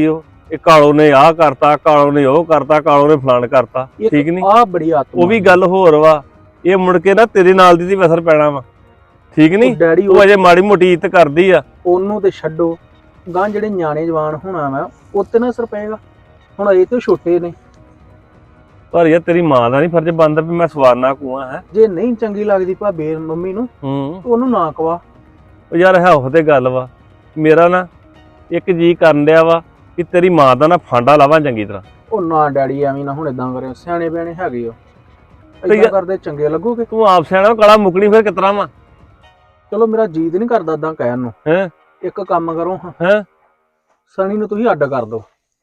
ਇਹ ਕਾਲੋ ਨੇ ਆਹ ਕਰਤਾ, ਕਾਲੋ ਨੇ ਉਹ ਕਰਤਾ, ਕਾਲੋ ਨੇ ਫਲਾਣ ਕਰਤਾ, ਠੀਕ ਨਹੀਂ? ਆ ਬੜੀ ਆਤਮਾ ਉਹ ਵੀ ਗੱਲ ਹੋਰ ਵਾ, ਇਹ ਮੁੜ ਕੇ ਨਾ ਤੇਰੇ ਨਾਲ ਦੀ ਅਸਰ ਪੈਣਾ ਵਾ, ਠੀਕ ਨਹੀਂ? ਡੈਡੀ ਉਹ ਅਜੇ ਮਾੜੀ ਮੋਟੀ ਇੱਜ਼ਤ ਕਰਦੀ ਆ। ਉਹਨੂੰ ਤੇ ਛੱਡੋ, ਗਾਂ ਜਿਹੜੇ ਨਿਆਣੇ ਜਵਾਨ ਹੋਣਾ ਵਾ ਉੱਤੇ ਨਾ ਅਸਰ ਪਏਗਾ। ਹੁਣ ਇਹ ਤੇ ਛੋਟੇ ਨੇ। ਪਰ ਯਾਰ ਤੇਰੀ ਮਾਂ ਦਾ ਨਹੀਂ ਫਰਜ਼ ਬਣਦਾ ਵੀ ਮੈਂ ਸਵਾਰਨਾ ਕੂਆ ਹੈ। ਜੇ ਨਹੀਂ ਚੰਗੀ ਲੱਗਦੀ ਭਾਬੀ ਮੰਮੀ ਨੂੰ ਉਹਨੂੰ ਨਾ ਕਵਾ। ਉਹ ਯਾਰ ਹੈ ਉਹ ਤੇ ਗੱਲ ਵਾ, ਮੇਰਾ ਨਾ ਇੱਕ ਜੀ ਕਰਨ ਡਿਆ ਵਾ ਕਿ ਤੇਰੀ ਮਾਂ ਦਾ ਨਾ ਫਾਂਡਾ ਲਾਵਾਂ ਚੰਗੀ ਤਰ੍ਹਾਂ। ਉਹ ਨਾ ਡੈਡੀ ਐਵੇਂ ਨਾ ਹੁਣ ਇਦਾਂ ਕਰਿਓ, ਸਿਆਣੇ ਬਿਆਣੇ ਹੈਗੇ ਹੋ, ਤੇ ਇਦਾਂ ਕਰਦੇ ਚੰਗੇ ਲੱਗੋਗੇ। ਤੂੰ ਆਪ ਸਿਆਣਾ ਕਲਾ ਮੁਕਣੀ ਫਿਰ ਕਿਤਰਾ ਵਾ? ਚਲੋ ਮੇਰਾ ਜੀਦ ਨਹੀਂ ਕਰਦਾ ਏਦਾਂ ਕਹਿਣ ਨੂੰ। ਹੈਂ? ਇੱਕ ਕੰਮ ਕਰੋ ਹੈਂ? ਸਣੀ ਨੂੰ ਤੁਸੀਂ ਅੱਡ ਕਰ ਦਿਓ।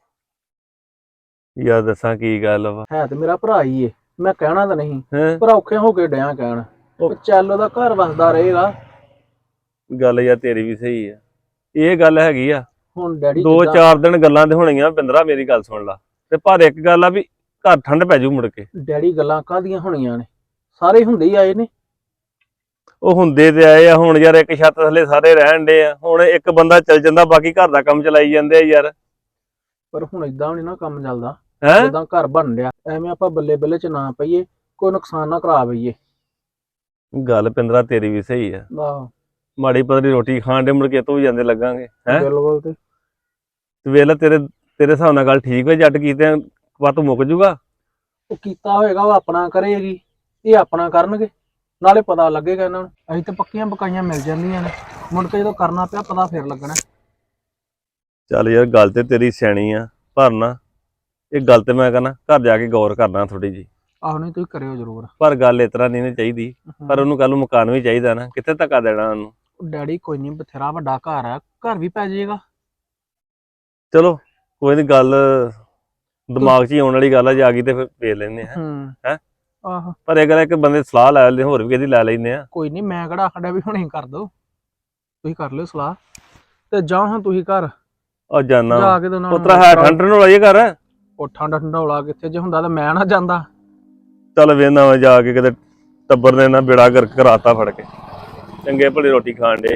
ਯਾਰ ਦੱਸਾਂ ਕੀ ਗੱਲ ਵਾ? ਹੈ ਤੇ ਮੇਰਾ ਭਰਾ ਹੀ ਏ, ਮੈਂ ਕਹਿਣਾ ਤਾਂ ਨਹੀਂ, ਹੈਂ? ਪਰ ਔਖੇ ਹੋ ਕੇ ਡਿਆਂ ਕਹਿਣ। ਉਹ ਚੱਲ ਉਹਦਾ ਘਰ ਵਸਦਾ ਰਹੇਗਾ। ਗੱਲ ਯਾਰ ਤੇਰੀ ਵੀ ਸਹੀ ਆ, ਇਹ ਗੱਲ ਹੈਗੀ ਆ। ਹੁਣ ਡੈਡੀ 2-4 ਦਿਨ ਗੱਲਾਂ ਤੇ ਹੋਣੀਆਂ ਬਿੰਦਰਾ, ਮੇਰੀ ਗੱਲ ਸੁਣ ਲਾ। ਤੇ ਪਰ ਇੱਕ ਗੱਲ ਆ ਵੀ ਘਰ ਠੰਡ ਪੈ ਜੂ ਮੁੜ ਕੇ। ਡੈਡੀ ਗੱਲਾਂ ਕਾਹਦੀਆਂ ਹੋਣੀਆਂ ਨੇ, ਸਾਰੇ ਹੁੰਦੇ ਹੀ ਆਏ ਨੇ। ਉਹ ਹੁੰਦੇ ਤੇ ਆਏ ਆ, ਹੁਣ ਯਾਰ ਇੱਕ ਛੱਤ ਥੱਲੇ ਸਾਰੇ ਰਹਿਣ ਡੇ ਆ, ਹੁਣ ਇੱਕ ਬੰਦਾ ਚੱਲ ਜਾਂਦਾ ਬਾਕੀ ਘਰ ਦਾ ਕੰਮ ਚਲਾਈ ਜਾਂਦੇ ਆ ਯਾਰ। ਪਰ ਹੁਣ ਇਦਾਂ ਨਹੀਂ ਨਾ ਕੰਮ ਚੱਲਦਾ। ਹੈ ਜਿੱਦਾਂ ਘਰ ਬਣ ਰਿਹਾ ਐਵੇਂ ਆਪਾਂ ਬੱਲੇ ਬੱਲੇ ਚ ਨਾ ਪਈਏ, ਕੋਈ ਨੁਕਸਾਨ ਨਾ ਕਰਾ ਬਈਏ। ਗੱਲ ਪਿੰਦਰਾ ਤੇਰੀ ਵੀ ਸਹੀ ਆ, ਆਹ ਮਾੜੀ ਪਤਲੀ ਰੋਟੀ ਖਾਣ ਦੇ ਮੁੜ ਕੇ ਤੋਂ ਵੀ ਜਾਂਦੇ ਲੱਗਾਂਗੇ। ਹੈ ਬਿਲਕੁਲ। ਤੇ ਵੇਲਾ ਤੇਰੇ ਹਿਸਾਬ ਨਾਲ ਗੱਲ ਠੀਕ ਹੋਈ, ਜੱਟ ਕੀਤੇ ਵੱਤ ਮੁੱਕ ਜੂਗਾ। ਉਹ ਕੀਤਾ ਹੋਏਗਾ ਉਹ ਆਪਣਾ ਕਰੇਗੀ, ਇਹ ਆਪਣਾ ਕਰਨਗੇ, ਨਾਲੇ ਪਤਾ ਲੱਗੇਗਾ ਇਹਨਾਂ ਨੂੰ। ਅਸੀਂ ਤਾਂ ਪੱਕੀਆਂ ਪਕਾਈਆਂ ਮਿਲ ਜਾਂਦੀਆਂ ਨੇ, ਮੁੜ ਕੇ ਜਦੋਂ ਕਰਨਾ ਪਿਆ ਪਤਾ ਫੇਰ ਲੱਗਣਾ। ਚੱਲ ਯਾਰ ਗੱਲ ਤੇ ਤੇਰੀ ਸਿਆਣੀ ਆ, ਪਰ ਨਾ ਇਹ ਗੱਲ ਤੇ ਮੈਂ ਕਹਿੰਦਾ ਘਰ ਜਾ ਕੇ ਗੌਰ ਕਰਨਾ ਥੋੜੀ ਜੀ। ਆਹੋ ਨਹੀਂ ਤੁਸੀਂ ਕਰਿਓ ਜ਼ਰੂਰ। ਪਰ ਗੱਲ ਇਸ ਤਰ੍ਹਾਂ ਨਹੀਂ ਚਾਹੀਦੀ, ਪਰ ਉਹਨੂੰ ਕੱਲ ਨੂੰ ਮਕਾਨ ਵੀ ਚਾਹੀਦਾ ਨਾ, ਕਿੱਥੇ ਧੱਕਾ ਦੇਣਾ ਉਹਨੂੰ। ਡੈਡੀ ਕੋਈ ਨਹੀਂ, ਬਥੇਰਾ ਵੱਡਾ ਘਰ ਆ, ਘਰ ਵੀ ਪੈ ਜਾਏਗਾ। ਚਲੋ ਕੋਈ ਨੀ, ਗੱਲ ਦਿਮਾਗ 'ਚ ਹੀ ਆਉਣ ਵਾਲੀ ਗੱਲ ਆ, ਜੇ ਆ ਗਈ ਤੇ ਫਿਰ ਵੇਖ ਲੈਂਦੇ ਆ। ਹੈਂ? ਆਹੋ ਪਰ ਇਹ ਗੱਲ ਇੱਕ ਬੰਦੇ ਸਲਾਹ ਲੈ ਲੈਂਦੇ, ਹੋਰ ਵੀ ਕਿਹਦੀ ਲੈ ਲੈਂਦੇ ਆ। ਕੋਈ ਨਹੀਂ, ਮੈਂ ਕਿਹੜਾ ਆਖਦਾ ਵੀ ਹੁਣੇ ਕਰ ਦੋ, ਤੁਸੀਂ ਕਰ ਲਿਓ ਸਲਾਹ ਤੇ ਜਾਓ ਹਾਂ ਤੁਸੀਂ ਘਰ ਉਹ ਜਾਨਾ ਜਾ ਕੇ ਤੇ ਉਹਨਾਂ ਨੂੰ ਪੁੱਤਰਾ ਹੈ ਠੰਡ ਨੂੰ ਲਾਈਏ ਘਰ। ਉਹ ਠੰਡਾ ਠੰਡੌਲਾ ਕਿੱਥੇ, ਜੇ ਹੁੰਦਾ ਤਾਂ ਮੈਂ ਨਾ ਜਾਂਦਾ। ਚੱਲ ਵੇਨਾ ਵਾ ਜਾ ਕੇ, ਕਿਤੇ ਟੱਬਰ ਨੇ ਨਾ ਬੇੜਾ ਗਰਕ ਕਰਾਤਾ ਫੜ ਕੇ, ਚੰਗੇ ਭਲੀ ਰੋਟੀ ਖਾਣ ਦੇ।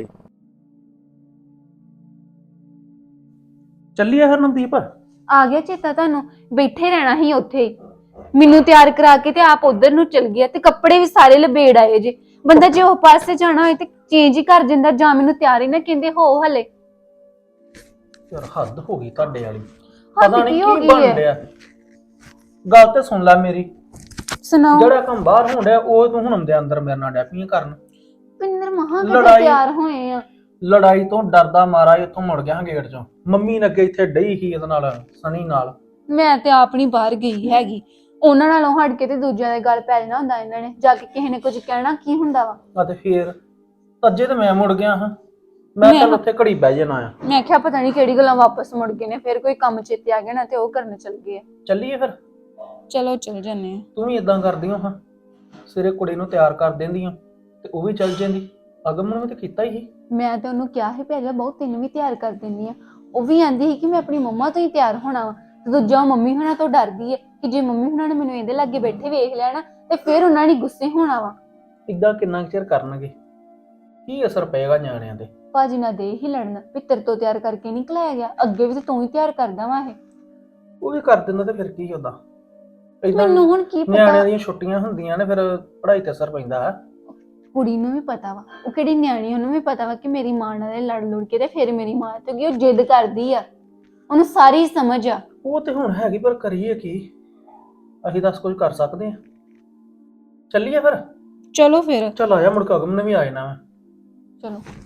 ਚੱਲੀਏ ਹਰਨਦੀਪ। ਆ ਗਿਆ ਚੇਤਾ ਤੁਹਾਨੂੰ? ਬੈਠੇ ਰਹਿਣਾ ਹੀ ਉੱਥੇ ਹੀ, ਮੈਨੂੰ ਤਿਆਰ ਕਰਾ ਕੇ ਤੇ ਆਪ ਉਧਰ ਨੂੰ ਚਲ ਗਿਆ, ਤੇ ਕੱਪੜੇ ਵੀ ਸਾਰੇ ਲਬੇੜ ਆਏ ਜੇ। ਬੰਦਾ ਜੇ ਉਹ ਪਾਸੇ ਜਾਣਾ ਹੋਏ ਤੇ ਚੇਂਜ ਹੀ ਕਰ ਦਿੰਦਾ, ਜਾਂ ਮੈਨੂੰ ਤਿਆਰ ਹੀ ਨਾ ਕਹਿੰਦੇ ਹੋ ਹਲੇ। ਯਾਰ ਹੱਦ ਹੋ ਗਈ ਤੁਹਾਡੇ ਵਾਲੀ, ਹੱਦ ਪਤਾ ਨਹੀਂ ਕੀ ਹੋ ਕੀ ਗਈ ਬਣ ਹੈ? ਰਿਹਾ। ਗੱਲ ਤੇ ਸੁਣ ਲੈ ਮੇਰੀ, ਸੁਣਾਓ। ਜਿਹੜਾ ਕੰਮ ਬਾਹਰ ਹੋਣ ਡਿਆ ਉਹ ਤੂੰ ਹੁਣ ਆਉਂਦੇ ਅੰਦਰ ਮੇਰੇ ਨਾਲ ਡੈਪੀਆਂ ਕਰਨ। ਪਿੰਦਰ ਮਹਾ ਕਿਤੇ ਲੜਾਈ- ਤਿਆਰ ਹੋਏ ਆ। ਲੜਾਈ ਤੋਂ ਡਰਦਾ ਮਾਰਾ ਇੱਥੋਂ ਮੁੜ ਗਿਆ ਗੇਟ ਚੋਂ। ਮੰਮੀ ਨੇ ਅੱਗੇ ਇੱਥੇ ਡਈ ਸੀ ਇਹਦੇ ਨਾਲ, ਸਣੀ ਨਾਲ। ਮੈਂ ਤੇ ਆਪ ਨਹੀਂ ਬਾਹਰ ਗਈ ਹੈਗੀ, ਉਹਨਾਂ ਨਾਲੋਂ ਹਟ ਕੇ ਤੇ ਦੂਜਿਆਂ ਦੇ ਗੱਲ ਪੈ ਜਾਣਾ ਹੁੰਦਾ। ਇਹਨਾਂ ਨੇ ਜਾ ਕੇ ਕਿਸੇ ਨੇ ਕੁਝ ਕਹਿਣਾ ਕੀ ਹੁੰਦਾ ਵਾ। ਆ ਤੇ ਫੇਰ ਅੱਜੇ ਤੇ ਮੈਂ ਮੁੜ ਗਿਆ ਹਾਂ, ਮੈਂ ਤਾਂ ਉੱਥੇ ਘੜੀ ਬਹਿ ਜਾਣਾ ਆ। ਮੈਂ ਕਿਹਾ ਪਤਾ ਨਹੀਂ ਕਿਹੜੀ ਗੱਲਾਂ ਵਾਪਸ ਮੁੜ ਗਏ ਨੇ, ਫਿਰ ਕੋਈ ਕੰਮ ਚੇਤੇ ਆ ਗਿਆ ਨਾ ਤੇ ਉਹ ਕਰਨ ਚੱਲ ਗਏ ਆ। ਚੱਲੀਏ ਫਿਰ। ਚਲੋ ਚੱਲ ਜੰਨੇ ਆ। ਤੂੰ ਵੀ ਇਦਾਂ ਕਰਦੀ ਹੋ ਹਾਂ, ਸਿਰੇ ਕੁੜੀ ਨੂੰ ਤਿਆਰ ਕਰ ਦਿੰਦੀ ਆ ਤੇ ਉਹ ਵੀ ਚੱਲ ਜਾਂਦੀ। ਅਗਮ ਨੂੰ ਵੀ ਤਾਂ ਕੀਤਾ ਹੀ। ਮੈਂ ਤੇ ਉਹਨੂੰ ਕਿਹਾ ਸੀ ਪਹਿਲਾਂ ਬਹੁਤ, ਤੈਨੂੰ ਵੀ ਤਿਆਰ ਕਰ ਦਿੰਦੀ ਆ। ਉਹ ਵੀ ਆਂਦੀ ਸੀ ਕਿ ਮੈਂ ਆਪਣੀ ਮੰਮਾ ਤੋਂ ਹੀ ਤਿਆਰ ਹੋਣਾ ਵਾ, ਤੇ ਦੂਜਾ ਮੰਮੀ ਹੁਣਾਂ ਤੋਂ ਡਰਦੀ ਹੈ ਕਿ ਜੇ ਮੰਮੀ ਹੁਣਾਂ ਨੇ ਮੈਨੂੰ ਇਹਦੇ ਲਾਗੇ ਬੈਠੇ ਵੇਖ ਲੈਣਾ ਤੇ ਫਿਰ ਉਹਨਾਂ ਨੇ ਗੁੱਸੇ ਹੋਣਾ ਵਾ। ਇਦਾਂ ਕਿੰਨਾ ਚਿਰ ਕਰਨਗੇ, ਕੀ ਅਸਰ ਪਏਗਾ ਨਿਆਣਿਆਂ ਤੇ? ਭਾਜੀ ਨਾਲ ਦੇ ਹੀ ਲੜਨਾ, ਪਿੱਤਰ ਤੋਂ ਤਿਆਰ ਕਰਕੇ ਨਿਕਲਿਆ ਗਿਆ, ਅੱਗੇ ਵੀ ਤੇ ਤੂੰ ਹੀ ਤਿਆਰ ਕਰਦਾ ਵਾ। ਇਹ ਉਹ ਵੀ ਕਰ ਦਿੰਦਾ ਤੇ ਫਿਰ ਕੀ ਹੁੰਦਾ? ਏਦਾਂ ਮੈਨੂੰ ਹੁਣ ਕੀ ਨਿਆਣਿਆਂ ਪਤਾ, ਦੀਆਂ ਛੁੱਟੀਆਂ ਹੁੰਦੀਆਂ ਨੇ, ਫਿਰ ਪੜ੍ਹਾਈ ਤੇ ਅਸਰ ਪੈਂਦਾ ਹੈ। ਕੁੜੀ ਨੂੰ ਵੀ ਪਤਾ ਵਾ, ਉਹ ਕਿਹੜੀ ਨਿਆਣੀ, ਉਹਨੂੰ ਵੀ ਪਤਾ ਵਾ ਕਿ ਮੇਰੀ ਮਾਂ ਨਾਲ ਲੜ ਲੁੜ ਕੇ ਤੇ ਫਿਰ ਮੇਰੀ ਮਾਂ ਤੇ ਉਹ ਜਿੱਦ ਕਰਦੀ ਆ, ਉਹਨੂੰ ਸਾਰੀ ਸਮਝ ਆ। ਉਹ ਤੇ ਹੁਣ ਹੈਗੀ, ਪਰ ਕਰੀਏ ਕੀ? ਅਸੀਂ ਦੱਸ ਕੁਝ ਕਰ ਸਕਦੇ ਆ? ਚੱਲੀਏ ਫਿਰ। ਚਲੋ ਫਿਰ ਚੱਲ ਆਇਆ, ਮੁੜ ਕੇ ਅਗਮ ਨੇ ਵੀ ਆ ਜਾਣਾ ਵਾ। ਚਲੋ।